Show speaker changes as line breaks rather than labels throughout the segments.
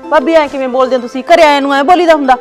ਭਾਬੀ ਐ ਕਿਵੇਂ ਬੋਲਦੇ ਹੋ ਤੁਸੀਂ? ਘਰੇ ਆਏ ਨੂੰ ਐ ਬੋਲੀਦਾ ਹੁੰਦਾ?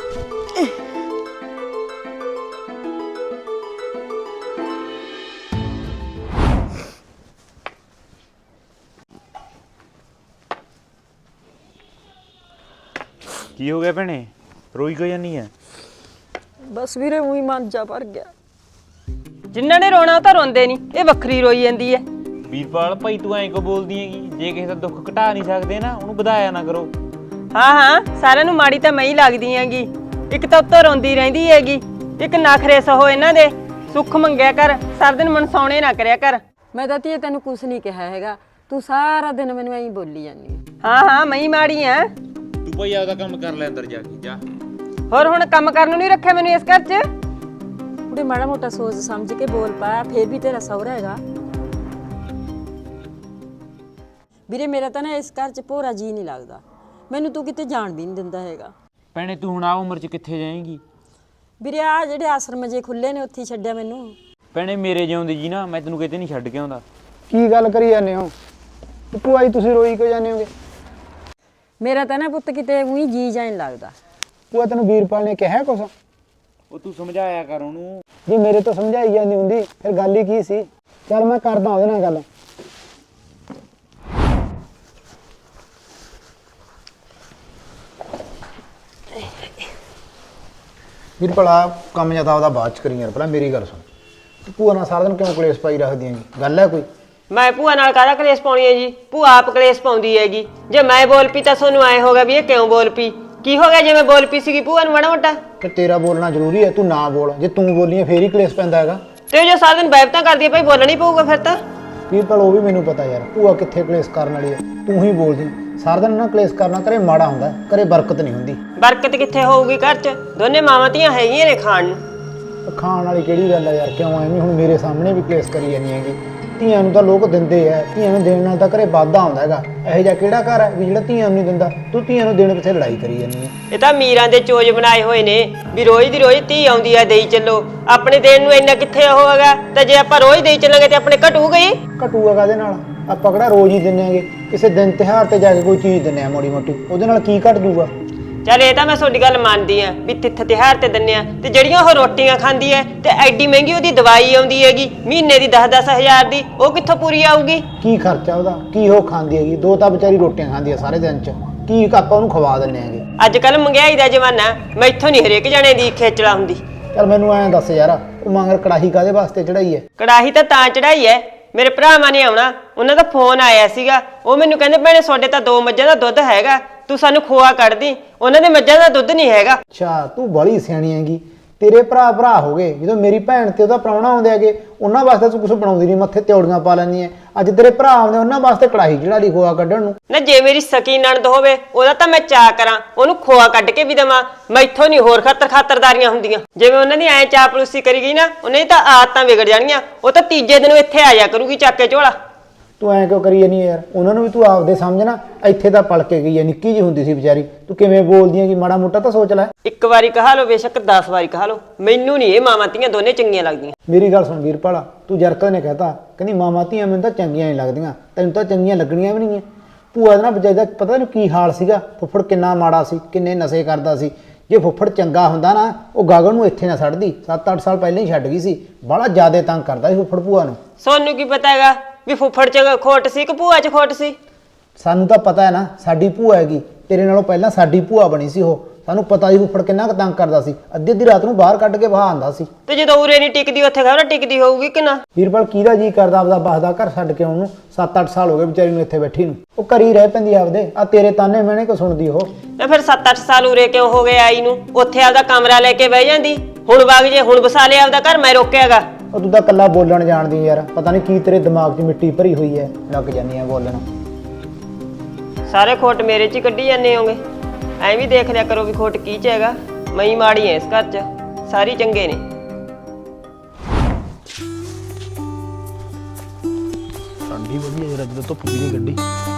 ਕੀ ਹੋ ਗਿਆ ਭੈਣੇ? ਰੋਈ ਕਿਉਂ ਜਾਨੀ ਐ?
ਬਸ ਵੀਰੇ ਉਹੀ ਮਨ ਜਾ ਭਰ ਗਿਆ।
ਜਿਨ੍ਹਾਂ ਨੇ ਰੋਣਾ ਉਹ ਤਾਂ ਰੋਂਦੇ ਨਹੀਂ, ਇਹ ਵੱਖਰੀ ਰੋਈ ਜਾਂਦੀ ਐ।
ਵੀਰਪਾਲ ਭਾਈ ਤੂੰ ਐਂ ਕਿਉਂ ਬੋਲਦੀ ਹੈਗੀ? ਜੇ ਕਿਸੇ ਦਾ ਦੁੱਖ ਘਟਾ ਨਹੀਂ ਸਕਦੇ ਨਾ ਉਹਨੂੰ ਵਧਾਇਆ ਨਾ ਕਰੋ।
ਹਾਂ ਸਾਰਿਆਂ ਨੂੰ ਮਾੜੀ ਤਾਂ ਮੈਂ ਹੀ ਲੱਗਦੀ ਹੈਗੀ। ਇੱਕ ਤਾਂ ਉੱਤੋਂ ਰੋਂਦੀ ਰਹਿੰਦੀ ਹੈਗੀ, ਇੱਕ ਨਖਰੇ ਸਹੋ ਇਹਨਾਂ ਦੇ। ਸੁੱਖ ਮੰਗਿਆ ਕਰ, ਸਾਰਾ ਦਿਨ ਮਨਸਾਉਣੇ ਨਾ ਕਰਿਆ ਕਰ।
ਮੈਂ ਤਾਂ ਧੀਏ ਤੈਨੂੰ ਕੁਛ ਨਹੀਂ ਕਿਹਾ ਹੈਗਾ, ਤੂੰ ਸਾਰਾ ਦਿਨ ਮੈਨੂੰ ਐਂ ਬੋਲੀ ਜਾਂਦੀ ਹੈ।
ਹਾਂ ਮੈਂ ਹੀ ਮਾੜੀ ਆ।
ਤੂੰ ਭਾਈ ਆਪਦਾ ਕੰਮ ਕਰ ਲੈ, ਅੰਦਰ ਜਾ ਕੇ ਜਾ।
ਹੋਰ ਹੁਣ ਕੰਮ ਕਰਨ ਨੂੰ ਨਹੀਂ ਰੱਖਿਆ ਮੈਨੂੰ ਇਸ ਘਰ 'ਚ।
ਉਹਦੇ ਮਾੜਾ ਮੋਟਾ ਸੋਚ ਸਮਝ ਕੇ ਬੋਲ ਪਾ, ਫੇਰ ਵੀ ਤੇਰਾ ਸਹੁਰਾ ਹੈਗਾ। ਵੀਰੇ ਮੇਰਾ ਤਾਂ ਨਾ ਇਸ ਘਰ 'ਚ ਭੋਰਾ ਜੀ ਨਹੀਂ ਲੱਗਦਾ, ਮੈਨੂੰ ਤੂੰ ਕਿਤੇ ਜਾਣ ਵੀ ਨਹੀਂ ਦਿੰਦਾ ਹੈਗਾ।
ਭੈਣੇ ਤੂੰ ਹੁਣ ਆ ਉਮਰ 'ਚ ਕਿੱਥੇ ਜਾਏਂਗੀ?
ਵੀਰੇ ਆ ਜਿਹੜੇ ਆਸ਼ਰਮ ਜੇ ਖੁੱਲੇ ਨੇ ਉੱਥੇ ਛੱਡਿਆ ਮੈਨੂੰ।
ਭੈਣੇ ਮੇਰੇ ਜਿਉਂਦੀ ਜੀ ਨਾ ਮੈਂ ਤੈਨੂੰ ਕਿਤੇ ਨਹੀਂ ਛੱਡ ਕੇ ਆਉਂਦਾ।
ਕੀ ਗੱਲ ਕਰੀ ਜਾਂਦੇ ਹੋ? ਭੂਆ ਜੀ ਤੁਸੀਂ ਰੋਈ ਕਿਉਂ ਜਾਂਦੇ ਹੋਗੇ?
ਮੇਰਾ ਤਾਂ ਨਾ ਪੁੱਤ ਕਿਤੇ ਉਹੀ ਜੀ ਜਾਂ ਨਹੀਂ ਲੱਗਦਾ।
ਭੂਆ ਤੈਨੂੰ ਵੀਰਪਾਲ ਨੇ ਕਿਹਾ ਕੁਛ?
ਉਹ ਤੂੰ ਸਮਝਾਇਆ ਕਰ ਉਹਨੂੰ।
ਜੇ ਮੇਰੇ ਤੋਂ ਸਮਝਾਈ ਜਾਂਦੀ ਹੁੰਦੀ ਫਿਰ ਗੱਲ ਹੀ ਕੀ ਸੀ? ਚੱਲ ਮੈਂ ਕਰਦਾ ਉਹਦੇ ਨਾਲ ਗੱਲ। ਵੀਰਪਾਲ ਆ ਕੰਮ ਜਾਂ ਤਾਂ ਉਹਦਾ ਬਾਅਦ ਚ ਕਰੀ ਯਾਰ, ਪਹਿਲਾਂ ਮੇਰੀ ਗੱਲ ਸੁਣ। ਤੂੰ ਭੂਆ ਨਾਲ ਸਾਰਾ ਦਿਨ ਕਿਉਂ ਕਲੇਸ਼ ਪਾਈ ਰੱਖਦੀ ਹੈਗੀ? ਗੱਲ ਹੈ ਕੋਈ?
ਮੈਂ ਭੂਆ ਨਾਲ ਕਾਹਦਾ ਕਲੇਸ਼ ਪਾਉਣੀ ਹੈ ਜੀ? ਭੂਆ ਆਪ ਕਲੇਸ਼ ਪਾਉਂਦੀ ਹੈਗੀ। ਜੇ ਮੈਂ ਬੋਲ ਪਈ ਤਾਂ ਤੁਹਾਨੂੰ ਐ ਹੋਗਾ ਵੀ ਇਹ ਕਿਉਂ ਬੋਲ ਪਈ? ਕੀ ਹੋ ਗਿਆ ਜੇ ਮੈਂ ਬੋਲ ਪਈ ਸੀਗੀ ਭੂਆ ਨੂੰ ਮਾੜਾ ਮੋਟਾ?
ਤੇ ਤੇਰਾ ਬੋਲਣਾ ਜ਼ਰੂਰੀ ਹੈ, ਤੂੰ ਨਾ ਬੋਲ। ਜੇ ਤੂੰ ਬੋਲੀਏ ਫੇਰ ਹੀ ਕਲੇਸ਼ ਪੈਂਦਾ ਹੈਗਾ।
ਤੇ ਜੇ ਸਾਰਾ ਦਿਨ ਬੈਬਤਾਂ ਕਰਦੀ ਹੈ ਭਾਈ, ਬੋਲਣਾ ਹੀ ਪਊਗਾ ਫਿਰ ਤਾਂ।
ਵੀਰਪਾਲ ਉਹ ਵੀ ਮੈਨੂੰ ਪਤਾ ਯਾਰ, ਭੂਆ ਕਿੱਥੇ ਕਲੇਸ਼ ਕਰਨ ਵਾਲੀ ਹੈ। ਤੂੰ ਹੀ ਬੋਲਦੀ ਸਾਰਾ ਦਿਨ ਨਾ, ਕਲੇਸ਼ ਕਰਨਾ ਘਰੇ ਮਾੜਾ ਹੁੰਦਾ, ਘਰੇ ਬਰਕਤ ਨਹੀਂ ਹੁੰਦੀ।
ਬਰਕਤ ਕਿੱਥੇ ਹੋਊਗੀ ਘਰ 'ਚ? ਦੋਨੇ ਮਾਵਾਂ ਧੀਆਂ ਹੈਗੀਆਂ ਨੇ ਖਾਣ ਨੂੰ।
ਖਾਣ ਵਾਲੀ ਕਿਹੜੀ ਗੱਲ ਹੈ ਯਾਰ? ਕਿਉਂ ਐਵੇਂ ਹੁਣ ਮੇਰੇ ਸਾਹਮਣੇ ਵੀ ਕਲੇਸ਼ ਕਰੀ ਜਾਂਦੀ ਹੈਗੀ? ਧੀਆਂ ਨੂੰ ਤਾਂ ਲੋਕ ਦਿੰਦੇ ਆ, ਧੀਆਂ ਨੂੰ ਦੇਣ ਨਾਲ ਤਾਂ ਘਰੇ ਵਾਧਾ ਆਉਂਦਾ ਹੈਗਾ। ਇਹੋ ਜਿਹਾ ਕਿਹੜਾ ਘਰ ਹੈ ਵੀ ਜਿਹੜਾ ਧੀਆਂ ਨੂੰ ਨਹੀਂ ਦਿੰਦਾ? ਤੂੰ ਧੀਆਂ ਨੂੰ ਦੇਣ ਪਿੱਛੇ ਲੜਾਈ ਕਰੀ ਜਾਂਦੀ ਹੈ।
ਇਹ ਤਾਂ ਮੀਰਾਂ ਦੇ ਚੋਜ ਬਣਾਏ ਹੋਏ ਨੇ ਵੀ ਰੋਜ਼ ਦੀ ਰੋਜ਼ ਧੀ ਆਉਂਦੀ ਆ, ਦੇਈ ਚੱਲੋ। ਆਪਣੇ ਦੇਣ ਨੂੰ ਇੰਨਾ ਕਿੱਥੇ ਉਹ ਹੈਗਾ? ਤੇ ਜੇ ਆਪਾਂ ਰੋਜ਼ ਦੇਈ ਚੱਲਾਂਗੇ ਤੇ ਆਪਣੇ ਘਟੂ ਗਈ।
ਘਟੂਗਾ ਕਾਹਦੇ ਨਾਲ? ਆਪਾਂ ਕਿਹੜਾ ਰੋਜ਼ ਹੀ ਦਿੰਦੇ ਆਂਗੇ? ਕਿਸੇ ਦਿਨ ਤਿਉਹਾਰ ਤੇ ਜਾ ਕੇ ਕੋਈ ਚੀਜ਼ ਦਿੰਦੇ ਆ ਮਾੜੀ ਮੋਟੀ, ਉਹਦੇ ਨਾਲ ਕੀ ਘਟ ਜੂਗਾ?
ਚੱਲ ਇਹ ਤਾਂ ਮੈਂ ਤੁਹਾਡੀ ਗੱਲ ਮੰਨਦੀ ਆ ਵੀ ਤਿੱਥ ਤਿਉਹਾਰ ਤੇ ਦਿੰਨੇ ਆ, ਤੇ ਜਿਹੜੀਆਂ ਉਹ ਰੋਟੀਆਂ ਖਾਂਦੀ ਐ ਤੇ ਐਡੀ ਮਹਿੰਗੀ ਉਹਦੀ ਦਵਾਈ ਆਉਂਦੀ ਹੈਗੀ ਮਹੀਨੇ ਦੀ 10-10 ਹਜ਼ਾਰ ਦੀ, ਉਹ ਕਿੱਥੋਂ ਪੂਰੀ ਆਊਗੀ?
ਕੀ ਖਰਚਾ ਉਹਦਾ? ਕੀ ਉਹ ਖਾਂਦੀ ਹੈਗੀ? ਦੋ ਤਾਂ ਵਿਚਾਰੀ ਰੋਟੀਆਂ ਖਾਂਦੀ ਆ ਸਾਰੇ ਦਿਨ ਚ, ਕੀ ਆਪਾਂ ਉਹਨੂੰ ਖਵਾ ਦਿੰਦੇ ਆਂਗੇ?
ਅੱਜ ਕੱਲ ਮਹਿੰਗਾਈ ਦਾ ਜ਼ਮਾਨਾ, ਮੈਥੋਂ ਨਹੀਂ ਹਰੇਕ ਜਣੇ ਦੀ ਖੇਚਲਾ ਹੁੰਦੀ।
ਚੱਲ ਮੈਨੂੰ ਐਂ ਦੱਸ ਯਾਰ, ਉਹ ਮਗਰ ਕੜਾਹੀ ਕਾਹਦੇ ਵਾਸਤੇ ਚੜਾਈ ਹੈ?
ਕੜਾਹੀ ਤਾਂ ਚੜਾਈ ਐ, ਮੇਰੇ ਭਰਾਵਾਂ ਨੇ ਆਉਣਾ, ਉਹਨਾਂ ਦਾ ਫੋਨ ਆਇਆ ਸੀਗਾ। ਉਹ ਮੈਨੂੰ ਕਹਿੰਦੇ ਭੈਣੇ ਤੁਹਾਡੇ ਤਾਂ 2 ਮੱਝਾਂ ਦਾ ਦੁੱਧ ਹੈਗਾ, ਤੂੰ ਸਾਨੂੰ ਖੋਆ ਕੱਢਦੀ। ਉਹਨਾਂ ਦੇ ਮੱਝਾਂ ਦਾ ਦੁੱਧ ਨਹੀਂ ਹੈਗਾ।
ਅੱਛਾ ਤੂੰ ਬੜੀ ਸਿਆਣੀ ਹੈਗੀ। ਤੇਰੇ ਭਰਾ ਹੋ ਗਏ, ਜਦੋਂ ਮੇਰੀ ਭੈਣ ਤੇ ਉਹਦਾ ਪ੍ਰਾਹੁਣਾ ਆਉਂਦੇ ਹੈਗੇ ਉਹਨਾਂ ਵਾਸਤੇ ਤੂੰ ਕੁਝ ਬਣਾਉਂਦੀ ਨਹੀਂ, ਮੱਥੇ ਤਿਉੜੀਆਂ ਪਾ ਲੈਂਦੀ ਹੈ। ਅੱਜ ਤੇਰੇ ਭਰਾ ਆਉਂਦੇ ਉਹਨਾਂ ਵਾਸਤੇ ਕੜਾਹੀ ਚੜਾ ਲਈ ਖੋਆ ਕੱਢਣ ਨੂੰ।
ਨਾ ਜੇ ਮੇਰੀ ਸਕੀ ਨਣਦ ਹੋਵੇ ਉਹਦਾ ਤਾਂ ਮੈਂ ਚਾਅ ਕਰਾਂ, ਉਹਨੂੰ ਖੋਆ ਕੱਢ ਕੇ ਵੀ ਦੇਵਾਂ। ਮੈਥੋਂ ਨਹੀਂ ਹੋਰ ਖਾਤਰਦਾਰੀਆਂ ਹੁੰਦੀਆਂ। ਜਿਵੇਂ ਉਹਨਾਂ ਦੀ ਐ ਚਾਪਲੂਸੀ ਕਰੀ ਗਈ ਨਾ, ਉਹਨਾਂ ਦੀ ਤਾਂ ਆਦਤਾਂ ਵਿਗੜ ਜਾਣੀਆਂ। ਉਹ ਤਾਂ ਤੀਜੇ ਦਿਨ ਇੱਥੇ ਆ ਜਾ ਕਰੂਗੀ ਚੱਕ ਕੇ ਝੋਲਾ।
ਤੂੰ ਐਂ ਕਿਉਂ ਕਰੀ ਜਾਨੀ ਯਾਰ? ਉਹਨਾਂ ਨੂੰ ਵੀ ਤੂੰ ਆਪਦੇ ਸਮਝਣਾ। ਇੱਥੇ ਤਾਂ ਪਲ ਕੇ ਗਈ ਹੈ, ਨਿੱਕੀ ਜਿਹੀ ਹੁੰਦੀ ਸੀ ਵਿਚਾਰੀ। ਤੂੰ ਕਿਵੇਂ ਬੋਲਦੀ ਹੈਗੀ? ਮਾੜਾ ਮੋਟਾ ਤਾਂ ਸੋਚ ਲੈ।
ਇੱਕ ਵਾਰੀ ਕਹਾ ਲਓ ਬੇਸ਼ੱਕ 10 ਵਾਰੀ ਕਹਾ ਲਓ, ਮੈਨੂੰ ਨਹੀਂ ਇਹ ਮਾਵਾਂ ਧੀਆਂ ਦੋਨੇ ਚੰਗੀਆਂ ਲੱਗਦੀਆਂ।
ਮੇਰੀ ਗੱਲ ਸੁਣ ਵੀਰਪਾਲ, ਤੂੰ ਜਰਕਾ ਨੇ ਕਹਿਤਾ ਕਹਿੰਦੀ ਮਾਮਾ ਧੀਆਂ ਮੈਨੂੰ ਤਾਂ ਚੰਗੀਆਂ ਨਹੀਂ ਲੱਗਦੀਆਂ, ਤੈਨੂੰ ਤਾਂ ਚੰਗੀਆਂ ਲੱਗਣੀਆਂ ਵੀ ਨਹੀਂ। ਭੂਆ ਦਾ ਨਾ ਵਿਚਾਰੀ ਦਾ ਪਤਾ ਨਹੀਂ ਕੀ ਹਾਲ ਸੀਗਾ। ਫੁੱਫੜ ਕਿੰਨਾ ਮਾੜਾ ਸੀ, ਕਿੰਨੇ ਨਸ਼ੇ ਕਰਦਾ ਸੀ। ਜੇ ਫੁੱਫੜ ਚੰਗਾ ਹੁੰਦਾ ਨਾ, ਉਹ ਗਾਗਨ ਨੂੰ ਇੱਥੇ ਨਾ ਛੱਡਦੀ। 7-8 ਸਾਲ ਪਹਿਲਾਂ ਹੀ ਛੱਡ ਗਈ ਸੀ। ਬੜਾ ਜ਼ਿਆਦਾ ਤੰਗ ਕਰਦਾ ਸੀ ਫੁੱਫੜ ਭੂਆ ਨੂੰ।
ਸੋਨੂੰ ਕੀ ਪਤਾ ਹੈਗਾ ਵੀ ਫੁੱਫੜ 'ਚ ਖੋਟ ਸੀ ਕਿ ਭੂਆ 'ਚ ਖੋਟ ਸੀ?
ਸਾਨੂੰ ਤਾਂ ਪਤਾ ਹੈ ਨਾ, ਸਾਡੀ ਭੂਆ ਹੈਗੀ। ਤੇਰੇ ਨਾਲੋਂ ਪਹਿਲਾਂ ਸਾਡੀ ਭੂਆ ਬਣੀ ਸੀ ਉਹ। ਸਾਨੂੰ ਪਤਾ ਸੀ ਫੁੱਫੜ ਕਿੰਨਾ ਕੁ ਤੰਗ ਕਰਦਾ ਸੀ। ਅੱਧੀ ਰਾਤ ਨੂੰ ਬਾਹਰ ਕੱਢ ਕੇ ਬਹਾ ਆਂਦਾ ਸੀ।
ਤੇ ਜਦੋਂ ਉਰੇ ਨਹੀਂ ਟਿਕਦੀ ਉੱਥੇ ਖਬਰ ਟਿਕਦੀ ਹੋਊਗੀ ਕਿ ਨਾ?
ਵੀਰਪਾਲ ਕਿਹਦਾ ਜੀ ਕਰਦਾ ਆਪਦਾ ਬਸਦਾ ਘਰ ਛੱਡ ਕੇ ਆਉਣ ਨੂੰ? 7-8 ਸਾਲ ਹੋ ਗਏ ਵਿਚਾਰੀ ਨੂੰ ਇੱਥੇ ਬੈਠੀ ਨੂੰ। ਉਹ ਘਰੀ ਰਹਿ ਪੈਂਦੀ ਆਪਦੇ। ਆ ਤੇਰੇ ਤਾਨੇ ਮੈਨੇ ਕੋ ਸੁਣਦੀ ਉਹ?
ਤੇ ਫਿਰ 7-8 ਸਾਲ ਉਰੇ ਕਿਉਂ ਹੋ ਗਏ ਆਈ ਨੂੰ? ਉੱਥੇ ਆਪਦਾ ਕਮਰਾ ਲੈ ਕੇ ਬਹਿ ਜਾਂਦੀ। ਹੁਣ ਵਗ ਜੇ, ਹੁਣ ਵਸਾ ਲਿਆ ਆਪਦਾ ਘਰ, ਮੈਂ ਰੋਕਿਆਗਾ?
ਉਹ ਤੂੰ ਤਾਂ ਕੱਲਾ ਬੋਲਣ ਜਾਣਦੀ ਯਾਰ। ਪਤਾ ਨਹੀਂ ਕੀ ਤੇਰੇ ਦਿਮਾਗ 'ਚ ਮਿੱਟੀ ਭਰੀ ਹੋਈ ਹੈ, ਲੱਗ ਜਾਂਦੀ ਹੈ ਬੋਲਣ।
ਸਾਰੇ ਖੋਟ ਮੇਰੇ 'ਚ ਹੀ ਕੱਢੀ ਜਾਂਦੇ ਹੋਗੇ। ਐਂ ਵੀ ਦੇਖ ਲਿਆ ਕਰੋ ਵੀ ਖੋਟ ਕੀ 'ਚ ਹੈਗਾ। ਮੈਂ ਹੀ ਮਾੜੀ ਐ ਇਸ ਘਰ 'ਚ, ਸਾਰੀ ਚੰਗੇ ਨੇ।
ਠੰਡੀ ਵਧੀਆ ਯਾਰ, ਜਦੋਂ ਧੁੱਪ ਵੀ ਨਹੀਂ ਕੱਢੀ।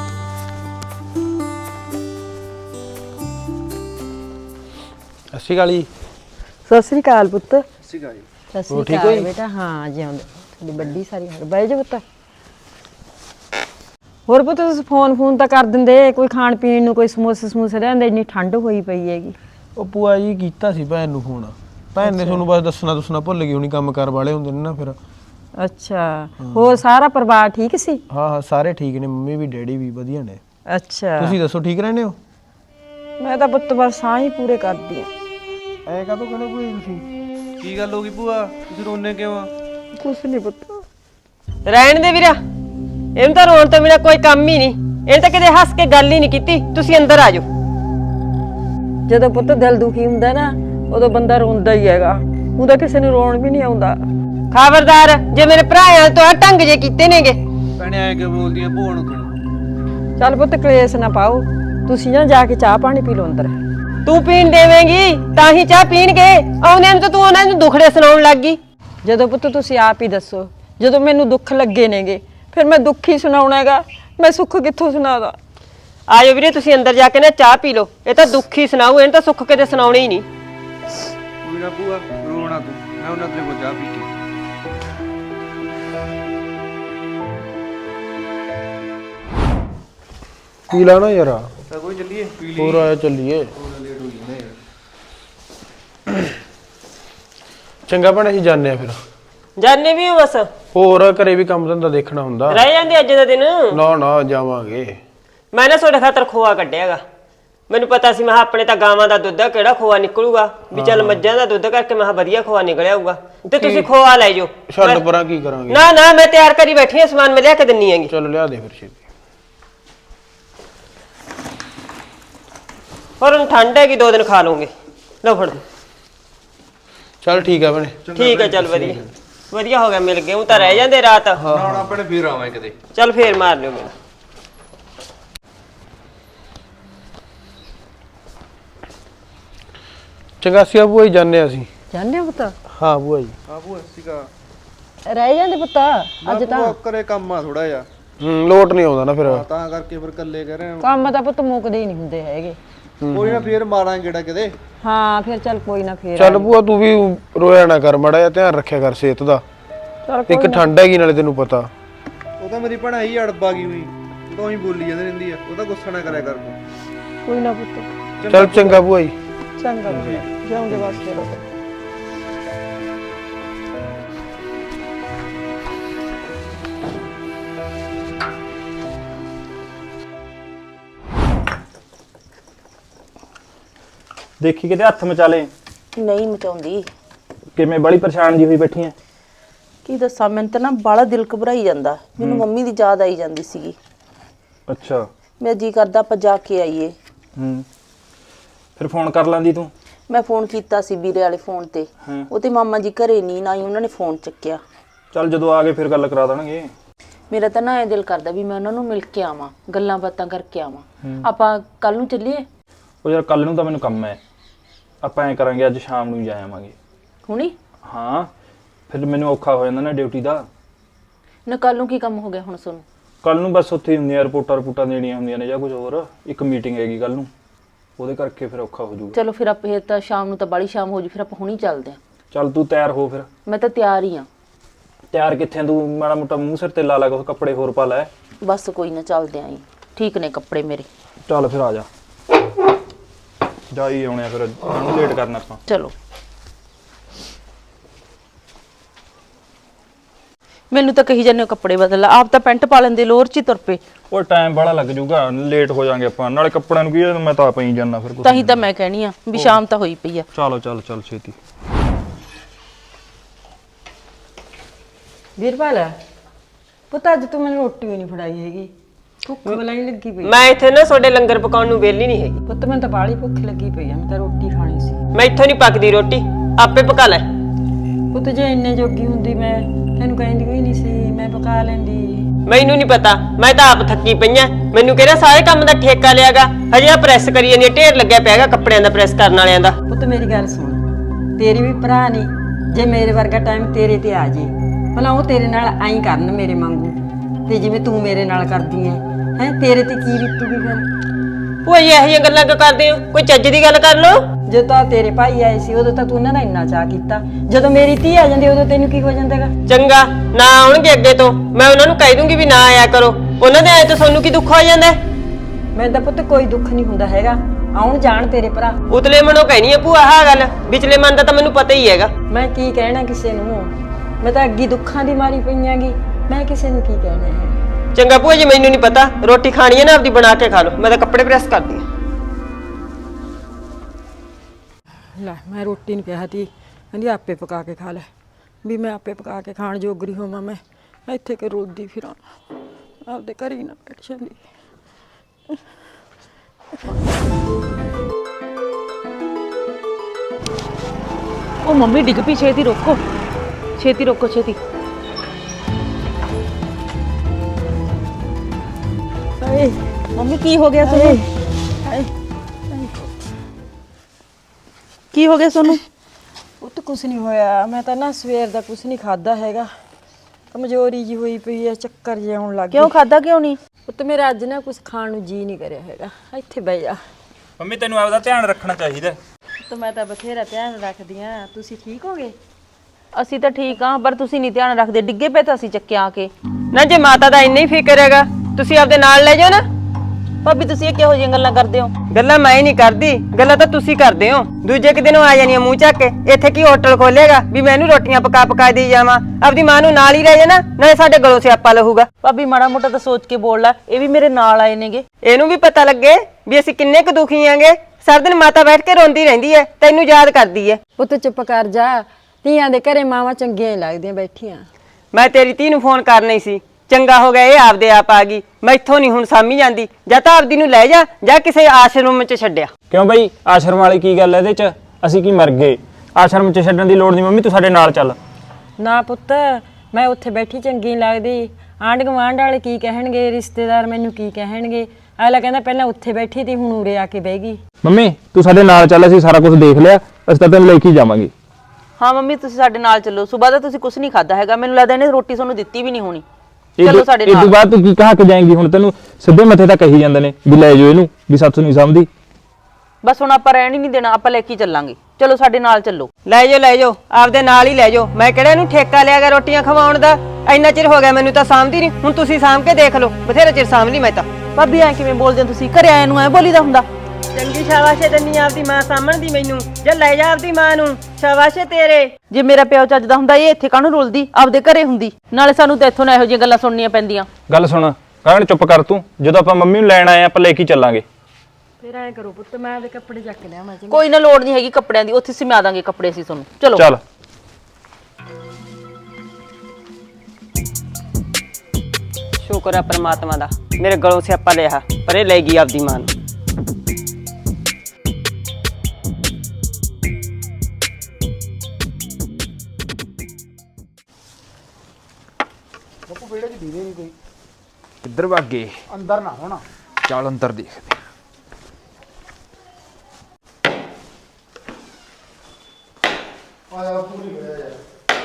ਸਤਿ ਸ਼੍ਰੀ ਅਕਾਲ ਜੀ।
ਸਤਿ ਸ੍ਰੀ ਅਕਾਲ ਪੁੱਤ।
ਸਤਿ ਸ਼੍ਰੀ ਅਕਾਲ ਜੀ।
ਸਤਿ ਸ੍ਰੀ ਅਕਾਲ ਬੇਟਾ। ਹਾਂ ਜਿਉਂਦੇ, ਤੁਹਾਡੀ ਵੱਡੀ ਸਾਰੀ ਬਹਿ ਜਾ ਪੁੱਤ। ਹੋਰ ਪੁੱਤ ਤੁਸੀਂ ਫੋਨ ਤਾਂ ਕਰ ਦਿੰਦੇ, ਕੋਈ ਖਾਣ ਪੀਣ ਨੂੰ, ਕੋਈ ਸਮੋਸੇ ਲਿਆਂਦੇ, ਇੰਨੀ ਠੰਡ ਹੋਈ ਪਈ ਹੈਗੀ।
ਉਹ ਭੂਆ ਜੀ ਕੀਤਾ ਸੀ ਭੈਣ ਨੂੰ ਫੋਨ, ਭੈਣ ਨੇ ਤੁਹਾਨੂੰ ਬਸ ਦੱਸਣਾ ਭੁੱਲ ਗਈ ਹੋਣੀ, ਕੰਮ ਕਾਰ ਵਾਲੇ ਹੁੰਦੇ ਨੇ ਨਾ ਫਿਰ।
ਅੱਛਾ, ਹੋਰ ਸਾਰਾ ਪਰਿਵਾਰ ਠੀਕ ਸੀ?
ਹਾਂ ਸਾਰੇ ਠੀਕ ਨੇ, ਮੰਮੀ ਵੀ ਡੈਡੀ ਵੀ ਵਧੀਆ ਨੇ।
ਅੱਛਾ,
ਤੁਸੀਂ ਦੱਸੋ ਠੀਕ ਰਹਿੰਦੇ ਹੋ?
ਮੈਂ ਤਾਂ ਪੁੱਤ ਬਸ ਸਾਹ ਹੀ ਪੂਰੇ ਕਰਦੀ ਆ।
ਐ ਕਾਹਤੋਂ ਕਹਿੰਦੇ ਭੂਆ ਤੁਸੀਂ?
ਕੀ ਗੱਲ ਹੋ ਗਈ ਭੂਆ, ਤੁਸੀਂ ਰੋਣੇ ਕਿਉਂ ਆ?
ਕੁਛ ਨਹੀਂ ਪੁੱਤ।
ਰਹਿਣ ਦੇ ਵੀਰਾ, ਇਹਨੂੰ ਤਾਂ ਰੋਣ ਤੋਂ ਬਿਨਾਂ ਕੋਈ ਕੰਮ ਹੀ ਨਹੀਂ। ਇਹਨੇ ਤਾਂ ਕਦੇ ਹੱਸ ਕੇ ਗੱਲ ਹੀ ਨਹੀਂ ਕੀਤੀ। ਤੁਸੀਂ ਅੰਦਰ ਆ ਜਾਓ।
ਜਦੋਂ ਪੁੱਤ ਦਿਲ ਦੁਖੀ ਹੁੰਦਾ ਨਾ, ਉਦੋਂ ਬੰਦਾ ਰੋਂਦਾ ਹੀ ਹੈਗਾ, ਉਹਦਾ ਕਿਸੇ ਨੂੰ ਰੋਣ ਵੀ ਨਹੀਂ ਆਉਂਦਾ।
ਖਬਰਦਾਰ, ਜੇ ਮੇਰੇ ਭਰਾਆਂ ਤੋਂ ਆ ਢੰਗ ਜੇ ਕੀਤੇ ਨੇਗੇ।
ਭੈਣੇ ਐ ਕਿਉਂ ਬੋਲਦੀ ਆ ਭੂਆ ਨੂੰ ਤੂੰ?
ਚੱਲ ਪੁੱਤ ਕਲੇਸ਼ ਨਾ ਪਾਓ, ਤੁਸੀਂ ਨਾ ਜਾ ਕੇ ਚਾਹ ਪਾਣੀ ਪੀ ਲਓ ਅੰਦਰ।
ਤੂੰ ਪੀਣ ਦੇਵੇਂਗੀ ਤਾਂ ਹੀ ਚਾਹ ਪੀਣਗੇ। ਆਉਂਦਿਆਂ ਨੂੰ ਤਾਂ ਤੂੰ ਉਹਨਾਂ ਨੂੰ ਦੁਖੜੇ ਸੁਣਾਉਣ ਲੱਗ ਗਈ।
ਜਦੋਂ ਪੁੱਤ ਤੁਸੀਂ ਆਪ ਹੀ ਦੱਸੋ, ਜਦੋਂ ਮੈਨੂੰ ਦੁੱਖ ਲੱਗੇ ਨੇਗੇ ਫਿਰ ਮੈਂ ਦੁੱਖ ਹੀ ਸੁਣਾਉਣਾ ਹੈਗਾ, ਮੈਂ ਸੁੱਖ ਕਿੱਥੋਂ ਸੁਣਾਦਾ।
ਆਜੋ ਵੀਰੇ, ਤੁਸੀਂ ਅੰਦਰ ਜਾ ਕੇ ਨਾ ਚਾਹ ਪੀ ਲਓ। ਇਹ ਤਾਂ ਦੁੱਖ ਹੀ ਸੁਣਾਊ, ਇਹਨੂੰ ਤਾਂ ਸੁੱਖ ਕਿਤੇ ਸੁਣਾਉਣੇ ਹੀ ਨਹੀਂ।
ਕੋਈ ਨਾ ਭੂਆ, ਰੋਣਾ ਤੂੰ, ਮੈਂ ਉਹਨਾਂ ਤੇਰੇ ਕੋਲ ਚਾਹ ਪੀ ਕੇ।
ਪੀ ਲੈਣਾ ਯਾਰ,
ਤਾਂ ਕੋਈ ਚੱਲੀਏ ਪੀ ਲਈ।
ਹੋਰ ਆਇਆ ਚੱਲੀਏ। ਚੰਗਾ ਭੈਣੇ, ਅਸੀਂ ਜਾਂਦੇ ਆ ਫਿਰ।
ਜਾਣੇ ਵੀ ਹੋ ਬਸ,
ਹੋਰ ਘਰੇ ਵੀ ਕੰਮ ਧੰਦਾ ਦੇਖਣਾ ਹੁੰਦਾ।
ਰਹਿ ਜਾਂਦੇ ਅੱਜ ਦਾ ਦਿਨ।
ਨਾ ਜਾਵਾਂਗੇ।
ਮੈਂ ਨਾ ਤੁਹਾਡੇ ਖਾਤਰ ਖੋਆ ਕੱਢਿਆਗਾ। ਮੈਨੂੰ ਪਤਾ ਸੀ, ਮੈਂ ਕਿਹਾ ਆਪਣੇ ਤਾਂ ਗਾਵਾਂ ਦਾ ਦੁੱਧ ਆ, ਕਿਹੜਾ ਖੋਆ ਨਿਕਲੂਗਾ, ਵੀ ਚੱਲ ਮੱਝਾਂ ਦਾ ਦੁੱਧ ਕਰਕੇ ਮੈਂ ਕਿਹਾ ਵਧੀਆ ਖੋਆ ਨਿਕਲਿਆ ਹੋਊਗਾ। ਤੇ ਤੁਸੀਂ ਖੋਆ ਲੈ ਜਾਓ।
ਛੱਡ ਪਰਾਂ, ਕੀ ਕਰਾਂਗੇ।
ਨਾ ਮੈਂ ਤਿਆਰ ਕਰੀ ਬੈਠੀ ਆ, ਸਮਾਨ ਮੈਂ ਲਿਆ ਕੇ ਦਿੰਨੀ ਆਂਗੀ।
ਚੱਲ ਲਿਆ ਦੇ ਫਿਰ ਛੇਤੀ।
ਪਰ ਹੁਣ ਠੰਡ ਹੈਗੀ, 2 ਦਿਨ ਖਾ ਲਓਗੇ। ਲਓ ਫੜ।
ਚੱਲ ਠੀਕ ਆ ਭੈਣੇ।
ਠੀਕ ਹੈ, ਚੱਲ ਵਧੀਆ ਹੋ ਗਿਆ, ਮਿਲ ਗਏ। ਉਹ ਤਾਂ ਰਹਿ ਜਾਂਦੇ ਰਾਤ।
ਨਾ ਆਪਣੇ ਫੇਰ ਆਵਾਂ ਕਿਤੇ।
ਚੱਲ ਫੇਰ ਮਾਰ ਲਿਓ ਮੇਰਾ।
ਚੰਗਾ ਸੀ ਭੂਆ ਜੀ, ਜਾਂਦੇ ਆ ਅਸੀਂ।
ਜਾਂਦੇ ਹੋ ਪੁੱਤ?
ਹਾਂ ਭੂਆ ਜੀ।
ਹਾਂ ਭੂਆ ਸੀਗਾ।
ਰਹਿ ਜਾਂਦੇ ਪੁੱਤ ਅੱਜ ਤਾਂ।
ਭੂਆ ਘਰੇ ਕੰਮ ਆ ਥੋੜਾ ਜਿਹਾ,
ਲੋਟ ਨਹੀਂ ਆਉਂਦਾ ਨਾ ਫਿਰ।
ਤਾਂ ਕਰਕੇ ਫਿਰ ਇਕੱਲੇ ਕਹਿ ਰਹੇ ਹਾਂ।
ਕੰਮ ਤਾਂ ਪੁੱਤ ਮੁੱਕਦੇ ਹੀ ਨਹੀਂ ਹੁੰਦੇ ਹੈਗੇ।
ਕੋਈ ਨਾ ਫੇਰ ਮਾਰਾਂਗੇ ਗੇੜਾ ਕਿਤੇ।
ਹਾਂ ਫਿਰ ਚੱਲ ਕੋਈ ਨਾ, ਫੇਰ
ਚੱਲ ਭੂਆ ਤੂੰ ਵੀ ਰੋਇਆ ਨਾ ਕਰ, ਮਾੜਾ ਜਿਹਾ ਧਿਆਨ ਰੱਖਿਆ ਕਰ ਸਿਹਤ ਦਾ।
ਚੱਲ
ਇੱਕ ਠੰਡ ਹੈਗੀ ਨਾਲੇ, ਤੈਨੂੰ ਪਤਾ।
ਉਹ ਤਾਂ ਮੇਰੀ ਪੜ੍ਹਾਈ ਅੜਬਾ ਗਈ ਹੋਈ, ਉਹ ਤਾਂ ਹੀ ਬੋਲੀ ਜਾਂਦੀ ਰਹਿੰਦੀ ਆ। ਉਹਦਾ ਗੁੱਸਾ ਨਾ ਕਰਿਆ ਕਰ ਤੂੰ।
ਕੋਈ ਨਾ ਪੁੱਤ।
ਚੱਲ ਚੰਗਾ ਭੂਆ ਜੀ।
ਚੰਗਾ ਜਾਉਂਗੇ ਬਸ ਫਿਰ।
ਦੇਖੀ ਕਿਤੇ ਹੱਥ ਮਚਾਲੇ।
ਨਹੀਂ ਮਚਾਉਂਦੀ।
ਕਿਵੇਂ ਬੜੀ ਪਰੇਸ਼ਾਨ ਜੀ ਹੋਈ ਬੈਠੀ ਐ?
ਕੀ ਦੱਸਾਂ, ਮੈਨੂੰ ਤਾਂ ਨਾ ਬਾਲਾ ਦਿਲ ਘਬਰਾਈ ਜਾਂਦਾ। ਮੈਨੂੰ ਮੰਮੀ ਦੀ ਯਾਦ ਆਈ ਜਾਂਦੀ ਸੀਗੀ।
ਅੱਛਾ।
ਮੇਰਾ ਜੀ ਕਰਦਾ ਆਪਾਂ ਜਾ ਕੇ ਆਈਏ।
ਫਿਰ ਫੋਨ ਕਰ ਲਾਂਦੀ ਤੂੰ।
ਮੈਂ ਫੋਨ ਕੀਤਾ ਸੀ ਵੀਰੇ ਵਾਲੇ ਫੋਨ ਤੇ, ਉਹ ਤੇ ਮਾਮਾ ਜੀ ਘਰੇ ਨਹੀਂ, ਨਾ ਹੀ ਉਹਨਾਂ ਨੇ ਫੋਨ ਚੱਕਿਆ।
ਚੱਲ ਜਦੋਂ ਆ ਗਏ ਫਿਰ ਗੱਲ ਕਰਾ ਦੇਣਗੇ।
ਮੇਰਾ ਤਾਂ ਨਾ ਇਹ ਦਿਲ ਕਰਦਾ ਵੀ ਮੈਂ ਉਹਨਾਂ ਨੂੰ ਮਿਲ ਕੇ ਆਵਾਂ, ਗੱਲਾਂ ਬਾਤਾਂ ਕਰਕੇ ਆਵਾਂ। ਆਪਾਂ ਕੱਲ ਨੂੰ ਚੱਲੀਏ?
ਉਹ ਯਾਰ ਕੱਲ ਨੂੰ ਤਾਂ ਮੈਨੂੰ ਕੰਮ ਐ, ਆਪਾਂ ਐ ਕਰਾਂਗੇ ਅੱਜ ਸ਼ਾਮ ਨੂੰ ਜਾ ਆਵਾਂਗੇ।
ਹੁਣੀ?
ਹਾਂ, ਫਿਰ ਮੈਨੂੰ ਔਖਾ ਹੋ ਜਾਂਦਾ ਨਾ ਡਿਊਟੀ ਦਾ।
ਨਾ ਕੱਲ ਨੂੰ ਕੀ ਕੰਮ ਹੋ ਗਿਆ ਹੁਣ ਤੁਹਾਨੂੰ?
ਕੱਲ ਨੂੰ ਬਸ ਉੱਥੇ ਹੁੰਦੀਆਂ ਰਿਪੋਰਟਾਂ ਦੇਣੀਆਂ ਹੁੰਦੀਆਂ ਨੇ ਜਾਂ ਕੁਝ ਹੋਰ। ਇੱਕ ਮੀਟਿੰਗ ਹੈਗੀ ਕੱਲ ਨੂੰ, ਉਹਦੇ ਕਰਕੇ ਫਿਰ ਔਖਾ ਹੋ ਜਾਊਗਾ।
ਚਲੋ ਫਿਰ ਆਪਾਂ ਇਹ ਤਾਂ ਸ਼ਾਮ ਨੂੰ ਤਾਂ ਬਾਲੀ ਸ਼ਾਮ ਹੋ ਜੂ, ਫਿਰ ਆਪਾਂ ਹੁਣੀ ਚੱਲਦੇ ਆਂ।
ਚੱਲ ਤੂੰ ਤਿਆਰ ਹੋ ਫਿਰ।
ਮੈਂ ਤਾਂ ਤਿਆਰ ਹੀ ਆ।
ਤਿਆਰ ਕਿੱਥੇ ਤੂੰ? ਮਾੜਾ ਮੋਟਾ ਮੂੰਹ ਸਿਰ ਤੇ ਲਾ ਲੈ ਕੁਛ, ਕੱਪੜੇ ਹੋਰ ਪਾ ਲੈ।
ਬਸ ਕੋਈ ਨਾ, ਚੱਲਦੇ ਆਂ। ਠੀਕ ਨੇ ਕੱਪੜੇ ਮੇਰੇ।
ਚੱਲ ਫਿਰ ਆ ਜਾ, ਜਾਈ ਆਉਣੇ ਆ ਫਿਰ, ਉਹਨੂੰ ਲੇਟ ਕਰਨਾ ਆਪਾਂ।
ਚਲੋ। ਮੈਨੂੰ ਤਾਂ ਕਹੀ ਜਾਂਦੇ ਹੋ ਕੱਪੜੇ ਬਦਲ, ਆਪ ਤਾਂ ਪੈਂਟ ਪਾ ਲੈਂਦੇ, ਲੋਅਰ ਚ ਹੀ ਤੁਰ ਪਏ।
ਉਹ ਟਾਈਮ ਬੜਾ ਲੱਗ ਜਾਊਗਾ, ਲੇਟ ਹੋ ਜਾਾਂਗੇ ਆਪਾਂ। ਨਾਲੇ ਕੱਪੜਿਆਂ ਨੂੰ ਕੀ ਹੈ, ਮੈਂ ਤਾਂ ਪਈ ਜਾਣਾ ਫਿਰ ਕੁਛ।
ਤਾਂ ਹੀ ਤਾਂ ਮੈਂ ਕਹਿਣੀ ਆ ਵੀ ਸ਼ਾਮ ਤਾਂ ਹੋਈ ਪਈ ਆ।
ਚਲੋ ਚੱਲ ਛੇਤੀ।
ਵੀਰਪਾਲ ਪੁੱਤ, ਅੱਜ ਤੂੰ ਮੈਨੂੰ ਰੋਟੀ ਵੀ ਨਹੀਂ ਫੜਾਈ ਹੈਗੀ, ਭੁੱਖ ਬਲਾਈ ਲੱਗੀ ਪਈ।
ਮੈਂ ਇੱਥੇ ਨਾ ਤੁਹਾਡੇ ਲੰਗਰ ਪਕਾਉਣ ਨੂੰ ਵਿਹਲੀ ਨਹੀਂ ਹੈਗੀ।
ਪੁੱਤ ਮੈਨੂੰ ਤਾਂ ਬਾਹਲੀ ਭੁੱਖ ਲੱਗੀ ਪਈ ਆ, ਮੈਂ ਤਾਂ ਰੋਟੀ ਖਾਣੀ ਸੀ।
ਮੈਂ ਇੱਥੋਂ ਨਹੀਂ ਪੱਕਦੀ ਰੋਟੀ, ਆਪੇ ਪਕਾ ਲੈ।
ਪੁੱਤ ਜੇ ਇੰਨੇ ਜੋਗੀ ਹੁੰਦੀ ਮੈਂ ਤੈਨੂੰ ਕਹਿੰਦੀ ਵੀ ਨਹੀਂ ਸੀ, ਮੈਂ ਪਕਾ ਲੈਂਦੀ।
ਮੈਨੂੰ ਨਹੀਂ ਪਤਾ, ਮੈਂ ਤਾਂ ਆਪ ਥੱਕੀ ਪਈਆਂ। ਮੈਨੂੰ ਕਿਹੜਾ ਸਾਰੇ ਕੰਮ ਦਾ ਠੇਕਾ ਲਿਆਗਾ। ਹਜੇ ਆ ਪ੍ਰੈਸ ਕਰੀ ਜਾਂਦੀ, ਢੇਰ ਲੱਗਿਆ ਪਿਆਗਾ ਕੱਪੜਿਆਂ ਦਾ, ਪ੍ਰੈਸ ਕਰਨ ਵਾਲਿਆਂ ਦਾ।
ਪੁੱਤ ਮੇਰੀ ਗੱਲ ਸੁਣ, ਤੇਰੀ ਵੀ ਭਰਾ ਨਹੀਂ, ਜੇ ਮੇਰੇ ਵਰਗਾ ਟਾਈਮ ਤੇਰੇ ਤੇ ਆ ਜੇ ਭਲਾ ਉਹ ਤੇਰੇ ਨਾਲ ਐਂ ਕਰਨ ਮੇਰੇ ਵਾਂਗੂ, ਤੇ ਜਿਵੇਂ ਤੂੰ ਮੇਰੇ ਨਾਲ ਕਰਦੀ ਹੈ ਤੇਰੇ ਤੇ ਕੀ ਬੀਤੂਗੀ ਫਿਰ?
ਭੂਆ ਜੀ ਇਹੋ ਜਿਹੀਆਂ ਗੱਲਾਂ ਕਿਉਂ ਕਰਦੇ ਹੋ? ਕੋਈ ਚੱਜ ਦੀ ਗੱਲ ਕਰ ਲਓ।
ਜਦੋਂ ਤਾਂ ਤੇਰੇ ਭਾਈ ਆਏ ਸੀ ਉਦੋਂ ਤਾਂ ਤੂੰ ਉਹਨਾਂ ਦਾ ਇੰਨਾ ਚਾਅ ਕੀਤਾ, ਜਦੋਂ ਮੇਰੀ ਧੀ ਆ ਜਾਂਦੀ ਉਦੋਂ ਤੈਨੂੰ ਕੀ ਹੋ ਜਾਂਦਾਗਾ?
ਚੰਗਾ, ਨਾ ਆਉਣਗੇ ਅੱਗੇ ਤੋਂ, ਮੈਂ ਉਹਨਾਂ ਨੂੰ ਕਹਿ ਦੂੰਗੀ ਵੀ ਨਾ ਆਇਆ ਕਰੋ। ਉਹਨਾਂ ਦੇ ਆਏ ਤਾਂ ਤੁਹਾਨੂੰ ਕੀ ਦੁੱਖ ਹੋ ਜਾਂਦਾ?
ਮੈਨੂੰ ਤਾਂ ਪੁੱਤ ਕੋਈ ਦੁੱਖ ਨਹੀਂ ਹੁੰਦਾ ਹੈਗਾ, ਆਉਣ ਜਾਣ ਤੇਰੇ ਭਰਾ।
ਉਤਲੇ ਮਨੋਂ ਕਹਿਣੀ ਆ ਭੂਆ ਆਹ ਗੱਲ, ਵਿਚਲੇ ਮਨ ਦਾ ਤਾਂ ਮੈਨੂੰ ਪਤਾ ਹੀ ਹੈਗਾ।
ਮੈਂ ਕੀ ਕਹਿਣਾ ਕਿਸੇ ਨੂੰ, ਮੈਂ ਤਾਂ ਅੱਗੀ ਦੁੱਖਾਂ ਦੀ ਮਾਰੀ ਪਈਆਂਗੀ, ਮੈਂ ਕਿਸੇ ਨੂੰ ਕੀ ਕਹਿਣਾ ਹੈ।
ਚੰਗਾ ਭੂਆ ਜੀ, ਮੈਨੂੰ ਨਹੀਂ ਪਤਾ, ਰੋਟੀ ਖਾਣੀ ਹੈ ਨਾ ਆਪਦੀ ਬਣਾ ਕੇ ਖਾ ਲਓ, ਮੈਂ ਤਾਂ ਕੱਪੜੇ ਪ੍ਰੈਸ ਕਰਦੀ ਹਾਂ।
ਲੈ ਮੈਂ ਰੋਟੀ ਨੂੰ ਕਿਹਾ ਤੀ, ਕਹਿੰਦੀ ਆਪੇ ਪਕਾ ਕੇ ਖਾ ਲੈ, ਵੀ ਮੈਂ ਆਪੇ ਪਕਾ ਕੇ ਖਾਣ ਜੋਗਰੀ ਹੋਵਾਂ, ਮੈਂ ਇੱਥੇ ਕਿ ਰੋਲਦੀ ਫਿਰਾਂ, ਆਪਦੇ ਘਰ ਹੀ ਨਾ ਬੈਠ ਜਾਂਦੀ।
ਉਹ ਮੰਮੀ ਡਿੱਗ ਪਈ, ਛੇਤੀ ਰੋਕੋ, ਛੇਤੀ ਰੋਕੋ, ਛੇਤੀ।
ਹਾਏ
ਮੰਮੀ ਕੀ ਹੋ ਗਿਆ ਤੁਹਾਨੂੰ?
ਹਾਏ,
ਕੀ ਹੋ ਗਿਆ ਤੁਹਾਨੂੰ?
ਉਹ ਤਾਂ ਕੁਛ ਨਹੀਂ ਹੋਇਆ, ਮੈਂ ਤਾਂ ਨਾ ਸਵੇਰ ਦਾ ਕੁਛ ਨਹੀਂ ਖਾਦਾ ਹੈਗਾ, ਕਮਜ਼ੋਰੀ ਜੀ ਹੋਈ ਪਈ ਹੈ, ਚੱਕਰ ਜਿਹੇ ਆਉਣ ਲੱਗ ਗਏ।
ਕਿਉਂ ਖਾਦਾ ਕਿਉਂ ਨਹੀਂ?
ਉਹ ਤਾਂ ਮੇਰਾ ਅੱਜ ਨਾ ਕੁਛ ਖਾਣ ਨੂੰ ਜੀ ਨਹੀਂ ਕਰਿਆ ਹੈਗਾ, ਇੱਥੇ ਬਹਿ ਜਾ।
ਮੰਮੀ ਤੈਨੂੰ ਆਪਦਾ ਧਿਆਨ ਰੱਖਣਾ ਚਾਹੀਦਾ।
ਤਾਂ ਮੈਂ ਤਾਂ ਬਥੇਰਾ ਧਿਆਨ ਰੱਖਦੀ ਆ, ਤੁਸੀਂ ਠੀਕ ਹੋਗੇ?
ਅਸੀਂ ਤਾਂ ਠੀਕ ਆ, ਪਰ ਤੁਸੀਂ ਨਹੀਂ ਧਿਆਨ ਰੱਖਦੇ, ਡਿੱਗੇ ਪਏ ਤਾਂ ਅਸੀਂ ਚੱਕਿਆ ਆ ਕੇ।
ਨਾ ਜੇ ਮਾਤਾ ਦਾ ਇੰਨਾ ਹੀ ਫਿਕਰ ਹੈਗਾ, ਤੁਸੀਂ ਆਪਦੇ ਨਾਲ ਲੈ ਜਾਓ ਨਾ।
ਭਾਬੀ ਤੁਸੀਂ ਇਹ ਕਿਹੋ ਜਿਹੀਆਂ ਗੱਲਾਂ ਕਰਦੇ ਹੋ?
ਗੱਲਾਂ ਮੈਂ ਹੀ ਨਹੀਂ ਕਰਦੀ, ਗੱਲਾਂ ਤਾਂ ਤੁਸੀਂ ਕਰਦੇ ਹੋ। ਦੂਜੇ ਕਿ ਦਿਨੋਂ ਆ ਜਾਣੀਆਂ ਮੂੰਹ ਚੱਕ ਕੇ, ਇੱਥੇ ਕੀ ਹੋਟਲ ਖੋਲੇਗਾ ਵੀ ਮੈਨੂੰ ਰੋਟੀਆਂ ਪਕਾ ਦੇਈ ਜਾਵਾਂ? ਆਪਦੀ ਮਾਂ ਨੂੰ ਨਾਲ ਹੀ ਰਹਿ ਜਾਣਾ, ਨਾਲੇ ਸਾਡੇ ਗਲੋਂ ਸਿਆਪਾ ਲਹੂਗਾ।
ਭਾਬੀ ਮਾੜਾ ਮੋਟਾ ਤਾਂ ਸੋਚ ਕੇ ਬੋਲ ਲੈ, ਇਹ ਵੀ ਮੇਰੇ ਨਾਲ ਆਏ ਨੇਗੇ।
ਇਹਨੂੰ ਵੀ ਪਤਾ ਲੱਗੇ ਵੀ ਅਸੀਂ ਕਿੰਨੇ ਕੁ ਦੁਖੀ ਆਂਗੇ। ਸਾਰਾ ਦਿਨ ਮਾਤਾ ਬੈਠ ਕੇ ਰੋਂਦੀ ਰਹਿੰਦੀ ਐ, ਤੈਨੂੰ ਯਾਦ ਕਰਦੀ ਐ।
ਪੁੱਤ ਚੁੱਪ ਕਰ ਜਾ, ਧੀਆਂ ਦੇ ਘਰੇ ਮਾਵਾਂ ਚੰਗੀਆਂ ਹੀ ਲੱਗਦੀਆਂ ਬੈਠੀਆਂ।
ਮੈਂ ਤੇਰੀ ਧੀ ਨੂੰ ਫੋਨ ਕਰਨਾ ਹੀ ਸੀ, ਚੰਗਾ ਹੋ ਗਿਆ ਇਹ ਆਪਦੇ ਆਪ ਆ ਗਈ, ਮੈਥੋਂ ਨਹੀਂ ਹੁਣ ਸਾਮੀ ਜਾਂਦੀ। ਜਾਂ ਤਾਂ ਆਪਦੀ ਨੂੰ ਲੈ ਜਾ ਜਾਂ ਕਿਸੇ ਆਸ਼ਰਮ 'ਚ ਛੱਡਿਆ।
ਕਿਉਂ ਬਈ, ਆਸ਼ਰਮ ਵਾਲੀ ਕੀ ਗੱਲ ਇਹਦੇ 'ਚ? ਅਸੀਂ ਕੀ ਮਰ ਗਏ? ਆਸ਼ਰਮ 'ਚ ਛੱਡਣ ਦੀ ਲੋੜ ਨਹੀਂ ਮੰਮੀ, ਤੂੰ ਸਾਡੇ ਨਾਲ ਚੱਲ।
ਨਾ ਪੁੱਤ, ਮੈਂ ਉੱਥੇ ਬੈਠੀ ਚੰਗੀ ਲੱਗਦੀ, ਆਂਢ ਗੁਆਂਢ ਵਾਲੇ ਕੀ ਕਹਿਣਗੇ, ਰਿਸ਼ਤੇਦਾਰ ਮੈਨੂੰ ਕੀ ਕਹਿਣਗੇ। ਅਗਲਾ ਕਹਿੰਦਾ ਪਹਿਲਾਂ ਉੱਥੇ ਬੈਠੀ ਤੀ, ਹੁਣ ਉਰੇ ਆ ਕੇ ਬਹਿ ਗਈ।
ਮੰਮੀ ਤੂੰ ਸਾਡੇ ਨਾਲ ਚੱਲ, ਅਸੀਂ ਸਾਰਾ ਕੁਝ ਦੇਖ ਲਿਆ, ਅਸੀਂ ਤਾਂ ਤੈਨੂੰ ਲੈ ਕੇ ਜਾਵਾਂਗੇ।
ਹਾਂ ਮੰਮੀ ਤੁਸੀਂ ਸਾਡੇ ਨਾਲ ਚੱਲੋ, ਸਵੇਰ ਦਾ ਤੁਸੀਂ ਕੁਝ ਨਹੀਂ ਖਾਦਾ ਹੈਗਾ, ਮੈਨੂੰ ਲੱਗਦਾ ਇਹਨੇ ਰੋਟੀ ਤੁਹਾਨੂੰ ਦਿੱਤੀ ਵੀ ਨਹੀਂ ਹੋਣੀ। ਚਲੋ ਸਾਡੇ ਨਾਲ।
ਇਹ ਤੋਂ ਬਾਅਦ ਤੂੰ ਕੀ ਕਹਾ ਕੇ ਜਾਏਂਗੀ? ਹੁਣ ਤੈਨੂੰ ਸਿੱਧੇ ਮੱਥੇ ਤਾਂ ਕਹੀ ਜਾਂਦੇ ਨੇ ਵੀ ਲੈ ਜਾਓ ਇਹਨੂੰ, ਵੀ ਸੱਸ ਨਹੀਂ ਸਮਝਦੀ।
ਬਸ ਹੁਣ ਆਪਾਂ ਰਹਿਣ ਹੀ ਨਹੀਂ ਦੇਣਾ, ਆਪਾਂ ਲੈ ਕੇ ਚੱਲਾਂਗੇ। ਚਲੋ ਸਾਡੇ ਨਾਲ ਚੱਲੋ।
ਲੈ ਜਾਓ ਆਪਦੇ ਨਾਲ ਹੀ ਲੈ ਜਾਓ। ਮੈਂ ਕਿਹੜਾ ਇਹਨੂੰ ਠੇਕਾ ਲਿਆ ਗਿਆ ਰੋਟੀਆਂ ਖਵਾਉਣ ਦਾ? ਇੰਨਾ ਚਿਰ ਹੋ ਗਿਆ ਮੈਨੂੰ ਤਾਂ ਸਾਂਭਦੀ ਨਹੀਂ, ਹੁਣ ਤੁਸੀਂ ਸਾਂਭ ਕੇ ਦੇਖ ਲਓ। ਬਥੇਰਾ ਚਿਰ ਸਾਂਭ ਲਈ ਮੈਂ ਤਾਂ।
ਭਾਬੀ ਐ ਕਿਵੇਂ ਬੋਲਦੇ ਹੋ ਤੁਸੀਂ? ਘਰੇ ਆਏ ਨੂੰ ਐ ਬੋਲੀਦਾ ਹੁੰਦਾ?
ਚੰਗੀ ਸ਼ਾਬਾਸ਼ ਦਿੰਨੀ ਆਪਦੀ ਮਾਂ ਸਾਂਭਣ ਦੀ ਮੈਨੂੰ। ਜਾਂ ਲੈ ਜਾ ਆਪਦੀ ਮਾਂ ਨੂੰ, ਸ਼ਾਬਾਸ਼ ਤੇਰੇ।
ਜੇ ਮੇਰਾ ਪਿਓ ਚੱਜਦਾ ਹੁੰਦਾ ਇਹ ਇੱਥੇ ਕਾਹਨੂੰ ਰੁਲਦੀ, ਆਪਦੇ ਘਰੇ ਹੁੰਦੀ। ਨਾਲੇ ਸਾਨੂੰ ਤਾਂ ਇੱਥੋਂ ਨਾ ਇਹੋ ਜਿਹੀਆਂ ਗੱਲਾਂ ਸੁਣਨੀਆਂ ਪੈਂਦੀਆਂ।
ਗੱਲ ਸੁਣ ਕਹਿਣ, ਚੁੱਪ ਕਰ ਤੂੰ। ਜਦੋਂ ਆਪਾਂ ਮੰਮੀ ਨੂੰ ਲੈਣ ਆਏ ਆਪਾਂ ਲੈ ਕੇ ਚੱਲਾਂਗੇ।
ਫਿਰ ਐਂ ਕਰੋ ਪੁੱਤ, ਮੈਂ ਆਪਦੇ ਕੱਪੜੇ ਚੱਕ ਲਿਆਵਾਂ।
ਕੋਈ ਨਾ ਲੋੜ ਨਹੀਂ ਹੈਗੀ ਕੱਪੜਿਆਂ ਦੀ, ਉੱਥੇ ਸਮਾ ਦਾਂਗੇ ਕੱਪੜੇ ਅਸੀਂ ਤੁਹਾਨੂੰ। ਚਲੋ
ਚੱਲ।
ਸ਼ੁਕਰ ਆ ਪਰਮਾਤਮਾ ਦਾ, ਮੇਰੇ ਗਲੋਂ ਸਿਆਪਾ ਲਿਆ, ਪਰ ਇਹ ਲੈ ਗਈ ਆਪਦੀ ਮਾਂ ਨੂੰ।
ਬਾਪੂ ਵਿਹੜੇ 'ਚ ਦੀਵੇ ਨਹੀਂ ਕੋਈ।
ਕਿੱਧਰ ਭੱਗ ਗਏ?
ਅੰਦਰ ਨਾ ਹੋਣਾ।
ਚੱਲ ਅੰਦਰ ਦੇਖਦੇ।
ਆ ਜਾ ਬਾਪੂ ਨਹੀਂ ਵਿਹੜਾ ਯਾਰ।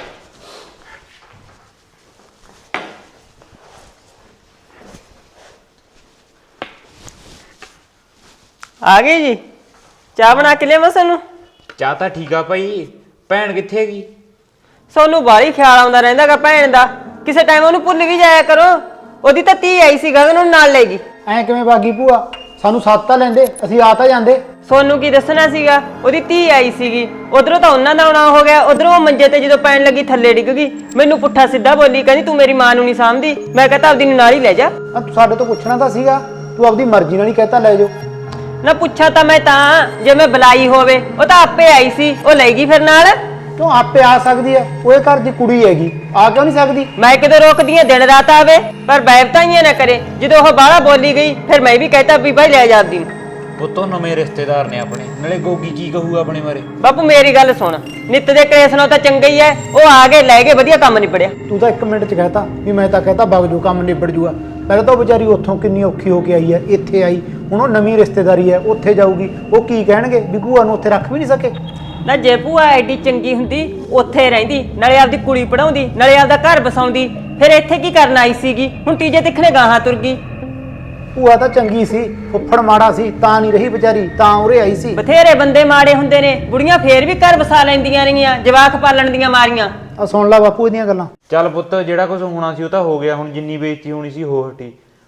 ਆ ਗਏ ਜੀ, ਚਾਹ ਬਣਾ ਕੇ ਲਿਆਵਾਂ ਸਾਨੂੰ?
ਚਾਹ ਤਾਂ ਠੀਕ ਆ ਭਾਈ, ਭੈਣ ਕਿੱਥੇ ਹੈਗੀ?
ਸੋਨੂੰ ਬਾਹਲੀ ਖਿਆਲ ਆਉਂਦਾ ਰਹਿੰਦਾਗਾ ਭੈਣ ਦਾ, ਕਿਸੇ ਟਾਈਮ ਉਹਨੂੰ ਭੁੱਲ ਵੀ ਜਾਇਆ ਕਰੋ। ਉਹਦੀ ਤਾਂ ਧੀ ਆਈ ਸੀ ਗਗਨ, ਉਹਨੂੰ ਨਾਲ ਲੈ ਗਈ।
ਐਂ ਕਿਵੇਂ ਬਾਗੀ ਭੂਆ? ਸਾਨੂੰ ਸੱਤ ਤਾਂ ਲੈਂਦੇ, ਅਸੀਂ ਆ ਤਾਂ ਜਾਂਦੇ।
ਸੋਨੂੰ ਕੀ ਦੱਸਣਾ ਸੀਗਾ, ਉਹਦੀ ਧੀ ਆਈ ਸੀਗੀ, ਉਧਰੋਂ ਤਾਂ ਉਹਨਾਂ ਦਾ ਆਉਣਾ ਹੋ ਗਿਆ, ਉਧਰੋਂ ਉਹ ਮੰਜੇ ਤੇ ਜਦੋਂ ਪੈਣ ਲੱਗੀ ਥੱਲੇ ਡਿੱਗ ਗਈ। ਮੈਨੂੰ ਪੁੱਠਾ ਸਿੱਧਾ ਬੋਲੀ, ਕਹਿੰਦੀ ਤੂੰ ਮੇਰੀ ਮਾਂ ਨੂੰ ਨਹੀਂ ਸਾਂਭਦੀ। ਮੈਂ ਕਹਤਾ ਆਪਦੀ ਨੂੰ ਨਾਲ ਹੀ ਲੈ ਜਾ।
ਤੂੰ ਸਾਡੇ ਤੋਂ ਪੁੱਛਣਾ ਤਾਂ ਸੀਗਾ, ਤੂੰ ਆਪਦੀ ਮਰਜ਼ੀ ਨਾਲ ਹੀ ਕਹਿਤਾ ਲੈ ਜਾਓ।
ਨਾ ਪੁੱਛਾ ਤਾਂ ਮੈਂ ਤਾਂ, ਜੇ ਮੈਂ ਬੁਲਾਈ ਹੋਵੇ। ਉਹ ਤਾਂ ਆਪੇ ਆਈ ਸੀ, ਉਹ ਲੈ ਗਈ ਫਿਰ ਨਾਲ।
ਕਿਉਂ ਆਪੇ ਆ ਸਕਦੀ ਹੈ, ਉਹਦੇ ਘਰ ਦੀ ਕੁੜੀ ਹੈਗੀ, ਆ ਕਿਉਂ ਨਹੀਂ ਸਕਦੀ?
ਮੈਂ ਕਿਦੋਂ ਰੋਕਦੀ ਆ, ਦਿਨ ਰਾਤ ਆਵੇ, ਪਰ ਬੈਵਤਾਈਆਂ ਨਾ ਕਰੇ। ਜਦੋਂ ਉਹ ਬਾਹਲਾ ਬੋਲੀ ਗਈ, ਫਿਰ ਮੈਂ ਵੀ ਕਹਿਤਾ ਵੀ ਭਾਈ ਲੈ ਜਾ ਆਪਦੀ ਨੂੰ।
ਪੁੱਤੋਂ ਨਵੇਂ ਰਿਸ਼ਤੇਦਾਰ ਨੇ ਆਪਣੇ, ਨਾਲੇ ਗੋਗੀ ਕੀ ਕਹੂ ਆਪਣੇ ਬਾਰੇ?
ਬਾਪੂ ਮੇਰੀ ਗੱਲ ਸੁਣ, ਨਿੱਤ ਦੇ ਕਲੇਸ਼ ਨਾਲੋਂ ਤਾਂ ਚੰਗਾ ਹੀ ਐ ਉਹ ਆ ਗਏ ਲੈ ਗਏ, ਵਧੀਆ ਕੰਮ ਨਿਬੜਿਆ।
ਤੂੰ ਤਾਂ 1 ਮਿੰਟ 'ਚ ਕਹਿਤਾ ਵੀ ਮੈਂ ਤਾਂ ਕਹਿਤਾ ਵਗ ਜੂ, ਕੰਮ ਨਿਬੜ ਜੂਗਾ। ਪਹਿਲਾਂ ਤਾਂ ਉਹ ਵਿਚਾਰੀ ਉੱਥੋਂ ਕਿੰਨੀ ਔਖੀ ਹੋ ਕੇ ਆਈ ਹੈ, ਇੱਥੇ ਆਈ, ਹੁਣ ਉਹ ਨਵੀਂ ਰਿਸ਼ਤੇਦਾਰੀ ਹੈ, ਉੱਥੇ ਜਾਊਗੀ। ਉਹ ਕੀ ਕਹਿਣਗੇ ਵੀ ਭੂਆ ਨੂੰ ਉੱਥੇ ਰੱਖ ਵੀ ਨਹੀਂ ਸਕੇ?
ਨਾ ਜੇ ਭੂਆ ਐਡੀ ਚੰਗੀ ਹੁੰਦੀ, ਉੱਥੇ ਰਹਿੰਦੀ, ਨਾਲੇ ਆਪਦੀ ਕੁੜੀ ਪੜਾਉਂਦੀ, ਨਾਲੇ ਆਪਦਾ ਘਰ ਬਸਾਉਂਦੀ, ਫਿਰ ਇੱਥੇ ਕੀ ਕਰਨ ਆਈ ਸੀਗੀ? ਹੁਣ ਤੀਜੇ ਤਿੱਖਣੇ ਗਾਹਾਂ ਤੁਰ ਗਈ।
ਭੂਆ ਤਾਂ ਚੰਗੀ ਸੀ, ਫੁੱਫੜ ਮਾੜਾ ਸੀ ਤਾਂ ਨਹੀਂ ਰਹੀ ਵਿਚਾਰੀ, ਤਾਂ ਉਰੇ ਆਈ ਸੀ।
ਬਥੇਰੇ ਬੰਦੇ ਮਾੜੇ ਹੁੰਦੇ ਨੇ, ਬੁੜੀਆਂ ਫੇਰ ਵੀ ਘਰ ਬਸਾ ਲੈਂਦੀਆਂ ਰਹੀਆਂ, ਜਵਾਕ ਪਾਲਣ ਦੀਆਂ ਮਾਰੀਆਂ।
ਆ ਸੁਣ ਲੈ ਬਾਪੂ ਇਹਦੀਆਂ ਗੱਲਾਂ।
ਚੱਲ ਪੁੱਤ, ਜਿਹੜਾ ਕੁਝ ਹੋਣਾ ਸੀ ਉਹ ਤਾਂ ਹੋ ਗਿਆ, ਹੁਣ ਜਿੰਨੀ ਬੇਇੱਜ਼ਤੀ ਹੋਣੀ ਸੀ ਹੋ ਹਟੀ।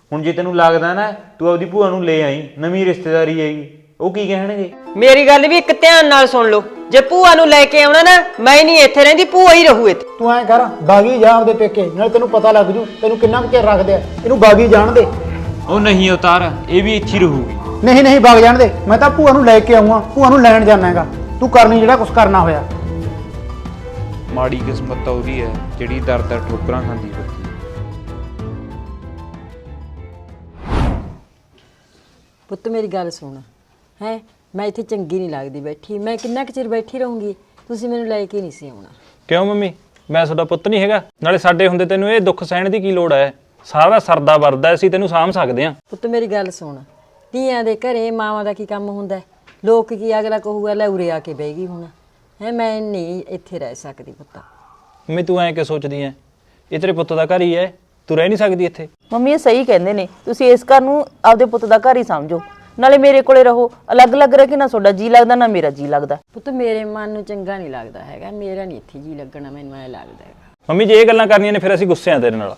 ਹੁਣ ਜੇ ਤੈਨੂੰ ਲੱਗਦਾ ਨਾ ਤੂੰ ਆਪਦੀ ਭੂਆ ਨੂੰ ਲੈ ਆਈ, ਨਵੀਂ ਰਿਸ਼ਤੇਦਾਰੀ ਹੈਗੀ, ਉਹ ਕੀ ਕਹਿਣਗੇ?
ਮੇਰੀ ਗੱਲ ਵੀ ਇੱਕ ਧਿਆਨ ਨਾਲ ਸੁਣ ਲਓ, ਜੇ ਭੂਆ ਨੂੰ ਲੈ ਕੇ ਆਉਣਾ ਨਾ ਮੈਂ ਨਹੀਂ ਇੱਥੇ ਰਹਿੰਦੀ, ਭੂਆ ਹੀ ਰਹੂ ਇੱਥੇ।
ਤੂੰ ਐਂ ਕਰ ਬਾਗੀ ਜਾ ਆਪਦੇ ਪੇਕੇ, ਨਾਲ ਤੈਨੂੰ ਪਤਾ ਲੱਗ ਜੂ ਤੈਨੂੰ ਕਿੰਨਾ ਕੁ ਚਿਰ ਰੱਖਦੇ ਆ, ਇਹਨੂੰ ਬਾਗੀ ਜਾਣ ਦੇ।
ਉਹ ਨਹੀਂ ਅਵਤਾਰ, ਇਹ ਵੀ ਇੱਥੇ ਹੀ ਰਹੂਗੀ।
ਨਹੀਂ ਨਹੀਂ ਬਾਗ ਜਾਣ ਦੇ, ਮੈਂ ਤਾਂ ਭੂਆ ਨੂੰ ਲੈ ਕੇ ਆਉਂਗਾ, ਭੂਆ ਨੂੰ ਲੈਣ ਜਾਣਾ ਹੈਗਾ, ਤੂੰ ਕਰਨੀ ਜਿਹੜਾ ਕੁਝ ਕਰਨਾ ਹੋਇਆ।
ਮਾੜੀ ਕਿਸਮਤ ਤਾਂ ਉਹਦੀ ਹੈ ਜਿਹੜੀ ਦਰ ਦਰ ਠੋਕਰਾਂ ਖਾਂਦੀ ਫਿਰਦੀ।
ਪੁੱਤ ਮੇਰੀ ਗੱਲ ਸੁਣ ਹੈ, ਮੈਂ ਇੱਥੇ ਚੰਗੀ ਨਹੀਂ ਲੱਗਦੀ ਬੈਠੀ, ਮੈਂ ਕਿੰਨਾ ਕੁ ਚਿਰ ਬੈਠੀ ਰਹੂੰਗੀ, ਤੁਸੀਂ ਮੈਨੂੰ ਲੈ ਕੇ ਨਹੀਂ ਸੀ ਆਉਣਾ।
ਕਿਉਂ ਮੰਮੀ, ਮੈਂ ਤੁਹਾਡਾ ਪੁੱਤ ਨਹੀਂ ਹੈਗਾ? ਨਾਲੇ ਸਾਡੇ ਹੁੰਦੇ ਤੈਨੂੰ ਇਹ ਦੁੱਖ ਸਹਿਣ ਦੀ ਕੀ ਲੋੜ ਹੈ? ਸਾਰਾ ਸਰਦਾ ਵਰਦਾ ਅਸੀਂ ਤੈਨੂੰ ਸਾਂਭ ਸਕਦੇ ਹਾਂ।
ਪੁੱਤ ਮੇਰੀ ਗੱਲ ਸੁਣ, ਧੀਆਂ ਦੇ ਘਰੇ ਮਾਵਾਂ ਦਾ ਕੀ ਕੰਮ ਹੁੰਦਾ ਹੈ? ਲੋਕ ਕੀ ਅਗਲਾ ਕਹੂਗਾ ਲੈ ਉਰੇ ਆ ਕੇ ਬਹਿ ਗਈ ਹੁਣ ਹੈ, ਮੈਂ ਨਹੀਂ ਇੱਥੇ ਰਹਿ ਸਕਦੀ ਪੁੱਤ।
ਮੰਮੀ ਤੂੰ ਐਂ ਕਿ ਸੋਚਦੀ ਐ? ਇਹ ਤੇਰੇ ਪੁੱਤ ਦਾ ਘਰ ਹੀ ਹੈ, ਤੂੰ ਰਹਿ ਨਹੀਂ ਸਕਦੀ ਇੱਥੇ?
ਮੰਮੀ ਇਹ ਸਹੀ ਕਹਿੰਦੇ ਨੇ, ਤੁਸੀਂ ਇਸ ਘਰ ਨੂੰ ਆਪਦੇ ਪੁੱਤ ਦਾ ਘਰ ਹੀ ਸਮਝੋ, ਨਾਲੇ ਮੇਰੇ ਕੋਲੇ ਰਹੋ। ਅਲੱਗ-ਅਲੱਗ ਰਹਿ ਕੇ ਨਾ ਤੁਹਾਡਾ ਜੀ ਲੱਗਦਾ ਨਾ ਮੇਰਾ ਜੀ ਲੱਗਦਾ।
ਪੁੱਤ ਮੇਰੇ ਮਨ ਨੂੰ ਚੰਗਾ ਨਹੀਂ ਲੱਗਦਾ ਹੈਗਾ, ਮੇਰਾ ਨਹੀਂ ਇੱਥੇ ਜੀ ਲੱਗਣਾ, ਮੈਨੂੰ ਐ ਲੱਗਦਾ ਹੈਗਾ।
ਮੰਮੀ ਜੇ ਇਹ ਗੱਲਾਂ ਕਰਨੀਆਂ ਨੇ ਫਿਰ ਅਸੀਂ ਗੁੱਸੇ ਆ ਤੇਰੇ ਨਾਲ।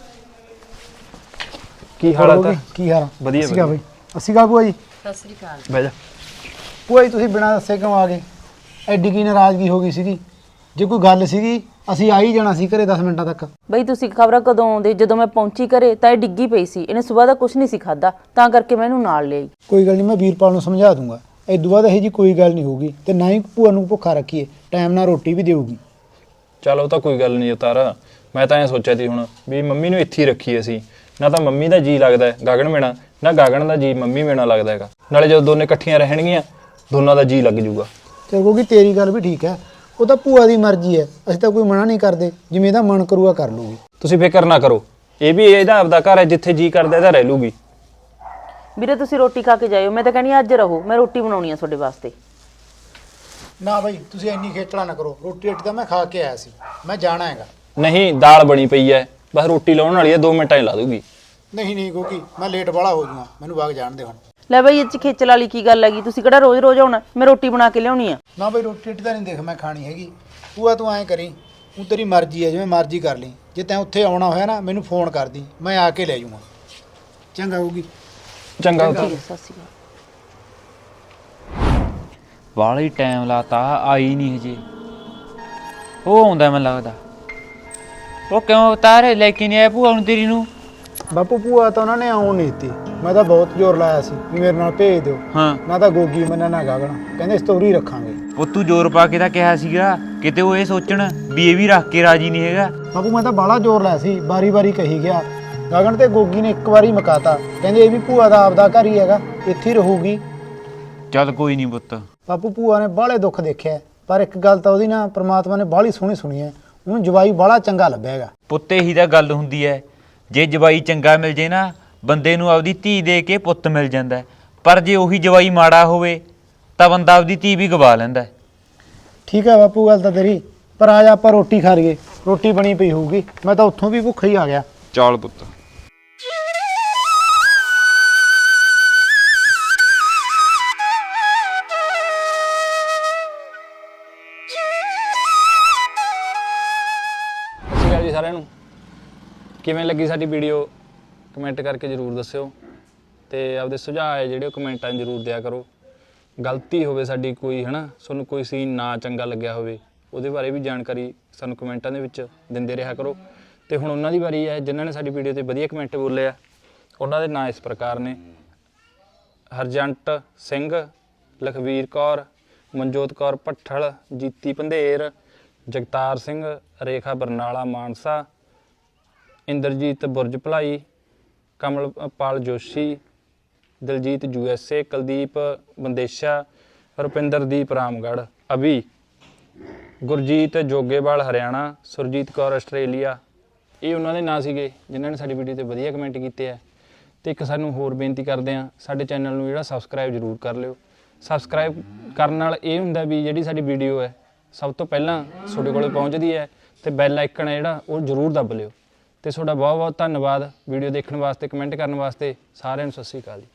ਕੀ ਹਾਲਤ ਹੈ?
ਕੀ ਹਾਲ?
ਵਧੀਆ
ਵਧੀਆ ਬਈ। ਅਸੀਂ ਕਾ ਭੂਆ ਜੀ?
ਸਤਿ ਸ੍ਰੀ ਅਕਾਲ।
ਬਹਿ ਜਾ।
ਭੂਆ ਜੀ ਤੁਸੀਂ ਬਿਨਾਂ ਦੱਸੇ ਕਿਉਂ ਆ ਗਏ? ਐਡੀ ਕੀ ਨਾਰਾਜ਼ਗੀ ਹੋ ਗਈ ਸੀਗੀ? ਜੇ ਕੋਈ ਗੱਲ ਸੀਗੀ ਅਸੀਂ ਆ ਹੀ ਜਾਣਾ ਸੀ ਘਰੇ 10 ਮਿੰਟਾਂ ਤੱਕ।
ਬਈ ਤੁਸੀਂ ਖਬਰਾਂ ਕਦੋਂ ਆਉਂਦੇ? ਜਦੋਂ ਮੈਂ ਪਹੁੰਚੀ ਘਰੇ ਤਾਂ ਇਹ ਡਿੱਗੀ ਪਈ ਸੀ, ਇਹਨੇ ਸਵੇਰ ਦਾ ਕੁਝ ਨਹੀਂ ਸੀ ਖਾਦਾ, ਤਾਂ ਕਰਕੇ ਮੈਂ ਇਹਨੂੰ ਨਾਲ ਲਿਆਈ।
ਕੋਈ ਗੱਲ ਨਹੀਂ, ਮੈਂ ਵੀਰਪਾਲ ਨੂੰ ਸਮਝਾ ਦੂੰਗਾ, ਇਦੋਂ ਬਾਅਦ ਇਹੋ ਜੀ ਕੋਈ ਗੱਲ ਨਹੀਂ ਹੋਊਗੀ, ਤੇ ਨਾ ਹੀ ਭੂਆ ਨੂੰ ਭੁੱਖਾ ਰੱਖੀਏ, ਟਾਈਮ ਨਾਲ ਰੋਟੀ ਵੀ ਦੇਊਗੀ।
ਚੱਲ ਉਹ ਤਾਂ ਕੋਈ ਗੱਲ ਨਹੀਂ ਉਤਾਰ, ਮੈਂ ਤਾਂ ਐਂ ਸੋਚਿਆ ਸੀ ਹੁਣ ਵੀ ਮੰਮੀ ਨੂੰ ਇੱਥੇ ਹੀ ਰੱਖੀਏ ਅਸੀਂ, ਨਾ ਤਾਂ ਮੰਮੀ ਦਾ ਜੀ ਲੱਗਦਾ ਹੈ ਗਗਨ ਬਿਨਾਂ, ਨਾ ਗਗਨ ਦਾ ਜੀ ਮੰਮੀ ਬਿਨਾਂ ਲੱਗਦਾ ਹੈਗਾ, ਨਾਲੇ ਜਦੋਂ ਦੋਨੇ ਇਕੱਠੀਆਂ ਰਹਿਣਗੀਆਂ ਦੋਨਾਂ ਦਾ ਜੀ ਲੱਗ ਜੂਗਾ।
ਚਲ ਕਿਉਂਕਿ ਤੇਰੀ ਗੱਲ ਵੀ ਠੀਕ ਹੈ, ਉਹ ਤਾਂ ਭੂਆ ਦੀ ਮਰਜ਼ੀ ਹੈ, ਅਸੀਂ ਤਾਂ ਕੋਈ ਮਨਾ ਨਹੀਂ ਕਰਦੇ, ਜਿਵੇਂ ਇਹਦਾ ਮਨ ਕਰੂਗਾ ਕਰ ਲੂਗੀ।
ਤੁਸੀਂ ਫਿਕਰ ਨਾ ਕਰੋ, ਇਹ ਵੀ ਇਹਦਾ ਆਪਦਾ ਘਰ ਹੈ, ਜਿੱਥੇ ਜੀ ਕਰਦਾ ਇਹਦਾ ਰਹਿ ਲੂਗੀ।
ਵੀਰੇ ਤੁਸੀਂ ਰੋਟੀ ਖਾ ਕੇ ਜਾਇਓ, ਮੈਂ ਤਾਂ ਕਹਿੰਦੀ ਅੱਜ ਰਹੋ, ਮੈਂ ਰੋਟੀ ਬਣਾਉਣੀ ਆ ਤੁਹਾਡੇ ਵਾਸਤੇ।
ਨਾ ਬਾਈ ਤੁਸੀਂ ਇੰਨੀ ਖੇਚਲਾ ਨਾ ਕਰੋ, ਰੋਟੀ ਤਾਂ ਮੈਂ ਖਾ ਕੇ ਆਇਆ ਸੀ, ਮੈਂ ਜਾਣਾ ਹੈਗਾ।
ਨਹੀਂ ਦਾਲ ਬਣੀ ਪਈ ਹੈ, ਬਸ ਰੋਟੀ ਲਾਉਣ ਵਾਲੀ ਹੈ, 2 ਮਿੰਟਾਂ 'ਚ ਲਾ ਦੂਗੀ।
ਨਹੀਂ ਨਹੀਂ ਕਿਉਂਕਿ ਮੈਂ ਲੇਟ ਵਾਲਾ ਹੋ ਜਾਊਗਾ, ਮੈਨੂੰ ਵਗ ਜਾਣ ਦੇ ਹੁਣ।
ਲੈ ਬਈ ਇਹ ਚ ਖੇਚਲ ਵਾਲੀ ਕੀ ਗੱਲ ਹੈਗੀ? ਤੁਸੀਂ ਕਿਹੜਾ ਰੋਜ਼-ਰੋਜ਼ ਆਉਣਾ? ਮੈਂ ਰੋਟੀ ਬਣਾ ਕੇ ਲਿਆਉਣੀ ਆ।
ਨਾ ਬਈ ਰੋਟੀ ਤਾਂ ਨਹੀਂ ਦੇਖ ਮੈਂ ਖਾਣੀ ਹੈਗੀ, ਭੂਆ ਤੂੰ ਐਂ ਕਰੀ, ਤੂੰ ਤੇਰੀ ਮਰਜ਼ੀ ਹੈ, ਜਿਵੇਂ ਮਰਜ਼ੀ ਕਰ ਲਈ, ਜੇ ਤੈਂ ਉੱਥੇ ਆਉਣਾ ਹੋਇਆ ਨਾ ਮੈਨੂੰ ਫੋਨ ਕਰ ਦੀ, ਮੈਂ ਆ ਕੇ ਲੈ ਜਾਊਂਗਾ। ਚੰਗਾ ਹੋਊਗੀ।
ਚੰਗਾ
ਠੀਕ ਹੈ, ਸਤਿ ਸ਼੍ਰੀ ਅਕਾਲ।
ਵਾਲਾ ਹੀ ਟਾਈਮ ਲਾਤਾ, ਆਈ ਨਹੀਂ ਹਜੇ। ਉਹ ਆਉਂਦਾ ਮੈਨੂੰ ਲੱਗਦਾ। ਉਹ ਕਿਉਂ ਅਵਤਾਰ ਲੈ ਕੇ ਨਹੀਂ ਆਇਆ ਭੂਆ ਨੂੰ ਤੇਰੀ ਨੂੰ?
ਬਾਪੂ ਭੂਆ ਤਾਂ ਉਹਨਾਂ ਨੇ ਆਉਣ ਨਹੀਂ ਦਿੱਤੀ, ਮੈਂ ਤਾਂ ਬਹੁਤ ਜ਼ੋਰ ਲਾਇਆ ਸੀ ਵੀ ਮੇਰੇ ਨਾਲ ਭੇਜ ਦਿਓ,
ਹਾਂ
ਨਾ ਤਾਂ ਗੋਗੀ ਮੰਨਣਾ ਨਾ ਗਾਗਣਾ, ਕਹਿੰਦੇ ਸਟੋਰੀ ਰੱਖਾਂਗੇ।
ਉਹ ਤੂੰ ਜ਼ੋਰ ਪਾ ਕੇ ਤਾਂ ਕਿਹਾ ਸੀਗਾ, ਕਿਤੇ ਉਹ ਇਹ ਸੋਚਣ ਵੀ ਇਹ ਵੀ ਰੱਖ ਕੇ ਰਾਜੀ ਨਹੀਂ ਹੈਗਾ।
ਬਾਪੂ ਮੈਂ ਤਾਂ ਬਾਹਲਾ ਜ਼ੋਰ ਲਾਇਆ ਸੀ, ਵਾਰੀ-ਵਾਰੀ ਕਹੀ ਗਿਆ, ਗਗਨ ਤੇ ਗੋਗੀ ਨੇ ਇੱਕ ਵਾਰੀ ਮਕਾਤਾ, ਕਹਿੰਦੇ ਇਹ ਵੀ ਭੂਆ ਦਾ ਆਪਦਾ ਘਰ ਹੀ ਹੈਗਾ, ਇੱਥੇ ਹੀ ਰਹੂਗੀ।
ਚੱਲ ਕੋਈ ਨਹੀਂ ਪੁੱਤ।
ਬਾਪੂ ਭੂਆ ਨੇ ਬਾਹਲੇ ਦੁੱਖ ਦੇਖਿਆ, ਪਰ ਇੱਕ ਗੱਲ ਤਾਂ ਉਹਦੀ ਨਾ ਪ੍ਰਮਾਤਮਾ ਨੇ ਬਾਹਲੀ ਸੋਹਣੀ ਸੁਣੀ ਹੈ, ਉਹਨੂੰ ਜਵਾਈ ਬਾਹਲਾ ਚੰਗਾ ਲੱਭਿਆ ਹੈਗਾ।
ਪੁੱਤ ਇਹੀ ਤਾਂ ਗੱਲ ਹੁੰਦੀ ਹੈ, ਜੇ ਜਵਾਈ ਚੰਗਾ ਮਿਲ ਜੇ ਨਾ ਬੰਦੇ ਨੂੰ ਆਪਦੀ ਧੀ ਦੇ ਕੇ ਪੁੱਤ ਮਿਲ ਜਾਂਦਾ, ਪਰ ਜੇ ਉਹੀ ਜਵਾਈ ਮਾੜਾ ਹੋਵੇ ਤਾਂ ਬੰਦਾ ਆਪਦੀ ਧੀ ਵੀ ਗਵਾ ਲੈਂਦਾ।
ਠੀਕ ਹੈ ਬਾਪੂ ਗੱਲ ਤਾਂ ਤੇਰੀ, ਪਰ ਆ ਜਾ ਆਪਾਂ ਰੋਟੀ ਖਾ ਲਈਏ, ਰੋਟੀ ਬਣੀ ਪਈ ਹੋਊਗੀ, ਮੈਂ ਤਾਂ ਉੱਥੋਂ ਵੀ ਭੁੱਖਾ ਹੀ ਆ ਗਿਆ।
ਚੱਲ ਪੁੱਤ।
ਸਤਿ ਸ਼੍ਰੀ ਅਕਾਲ ਜੀ ਸਾਰਿਆਂ ਨੂੰ। ਕਿਵੇਂ ਲੱਗੀ ਸਾਡੀ ਵੀਡੀਓ ਕਮੈਂਟ ਕਰਕੇ ਜ਼ਰੂਰ ਦੱਸਿਓ, ਤੇ ਆਪਦੇ ਸੁਝਾਅ ਹੈ ਜਿਹੜੇ ਉਹ ਕਮੈਂਟਾਂ 'ਚ ਜ਼ਰੂਰ ਦਿਆ ਕਰੋ। ਗਲਤੀ ਹੋਵੇ ਸਾਡੀ ਕੋਈ, ਹੈ ਨਾ, ਤੁਹਾਨੂੰ ਕੋਈ ਸੀਨ ਨਾ ਚੰਗਾ ਲੱਗਿਆ ਹੋਵੇ ਉਹਦੇ ਬਾਰੇ ਵੀ ਜਾਣਕਾਰੀ ਸਾਨੂੰ ਕਮੈਂਟਾਂ ਦੇ ਵਿੱਚ ਦਿੰਦੇ ਰਿਹਾ ਕਰੋ। ਤੇ ਹੁਣ ਉਹਨਾਂ ਦੀ ਵਾਰੀ ਹੈ ਜਿਨ੍ਹਾਂ ਨੇ ਸਾਡੀ ਵੀਡੀਓ ਤੇ ਵਧੀਆ ਕਮੈਂਟ ਬੋਲੇ ਆ, ਉਹਨਾਂ ਦੇ ਨਾਂ ਇਸ ਪ੍ਰਕਾਰ ਨੇ: ਹਰਜੰਟ ਸਿੰਘ, ਲਖਵੀਰ ਕੌਰ, ਮਨਜੋਤ ਕੌਰ ਭੱਠਲ, ਜੀਤੀ ਪੰਧੇਰ, ਜਗਤਾਰ ਸਿੰਘ, ਰੇਖਾ ਬਰਨਾਲਾ ਮਾਨਸਾ, ਇੰਦਰਜੀਤ ਬੁਰਜ ਭਲਾਈ, ਕਮਲਪਾਲ ਜੋਸ਼ੀ, ਦਿਲਜੀਤ USA, ਕੁਲਦੀਪ ਬੰਦੇਸ਼ਾ, ਰੁਪਿੰਦਰਦੀਪ ਰਾਮਗੜ੍ਹ, ਅਭੀ, ਗੁਰਜੀਤ ਜੋਗੇਵਾਲ ਹਰਿਆਣਾ, ਸੁਰਜੀਤ ਕੌਰ ਆਸਟ੍ਰੇਲੀਆ। ਇਹ ਉਹਨਾਂ ਦੇ ਨਾਂ ਸੀਗੇ ਜਿਨ੍ਹਾਂ ਨੇ ਸਾਡੀ ਵੀਡੀਓ ਤੇ ਵਧੀਆ ਕਮੈਂਟ ਕੀਤੇ ਆ। ਤੇ ਇੱਕ ਸਾਨੂੰ ਹੋਰ ਬੇਨਤੀ ਕਰਦੇ ਆ, ਸਾਡੇ ਚੈਨਲ ਨੂੰ ਜਿਹੜਾ ਸਬਸਕ੍ਰਾਈਬ ਜ਼ਰੂਰ ਕਰ ਲਿਓ। ਸਬਸਕ੍ਰਾਈਬ ਕਰਨ ਨਾਲ ਇਹ ਹੁੰਦਾ ਵੀ ਜਿਹੜੀ ਸਾਡੀ ਵੀਡੀਓ ਹੈ ਸਭ ਤੋਂ ਪਹਿਲਾਂ ਤੁਹਾਡੇ ਕੋਲ ਪਹੁੰਚਦੀ ਹੈ, ਤੇ ਬੈਲ ਆਈਕਨ ਹੈ ਜਿਹੜਾ ਉਹ ਜ਼ਰੂਰ ਦੱਬ ਲਿਓ। ਤੇ ਤੁਹਾਡਾ ਬਹੁਤ ਬਹੁਤ ਧੰਨਵਾਦ ਵੀਡੀਓ ਦੇਖਣ ਵਾਸਤੇ, ਕਮੈਂਟ ਕਰਨ ਵਾਸਤੇ। ਸਾਰਿਆਂ ਨੂੰ ਸਤਿ ਸ਼੍ਰੀ ਅਕਾਲ ਜੀ।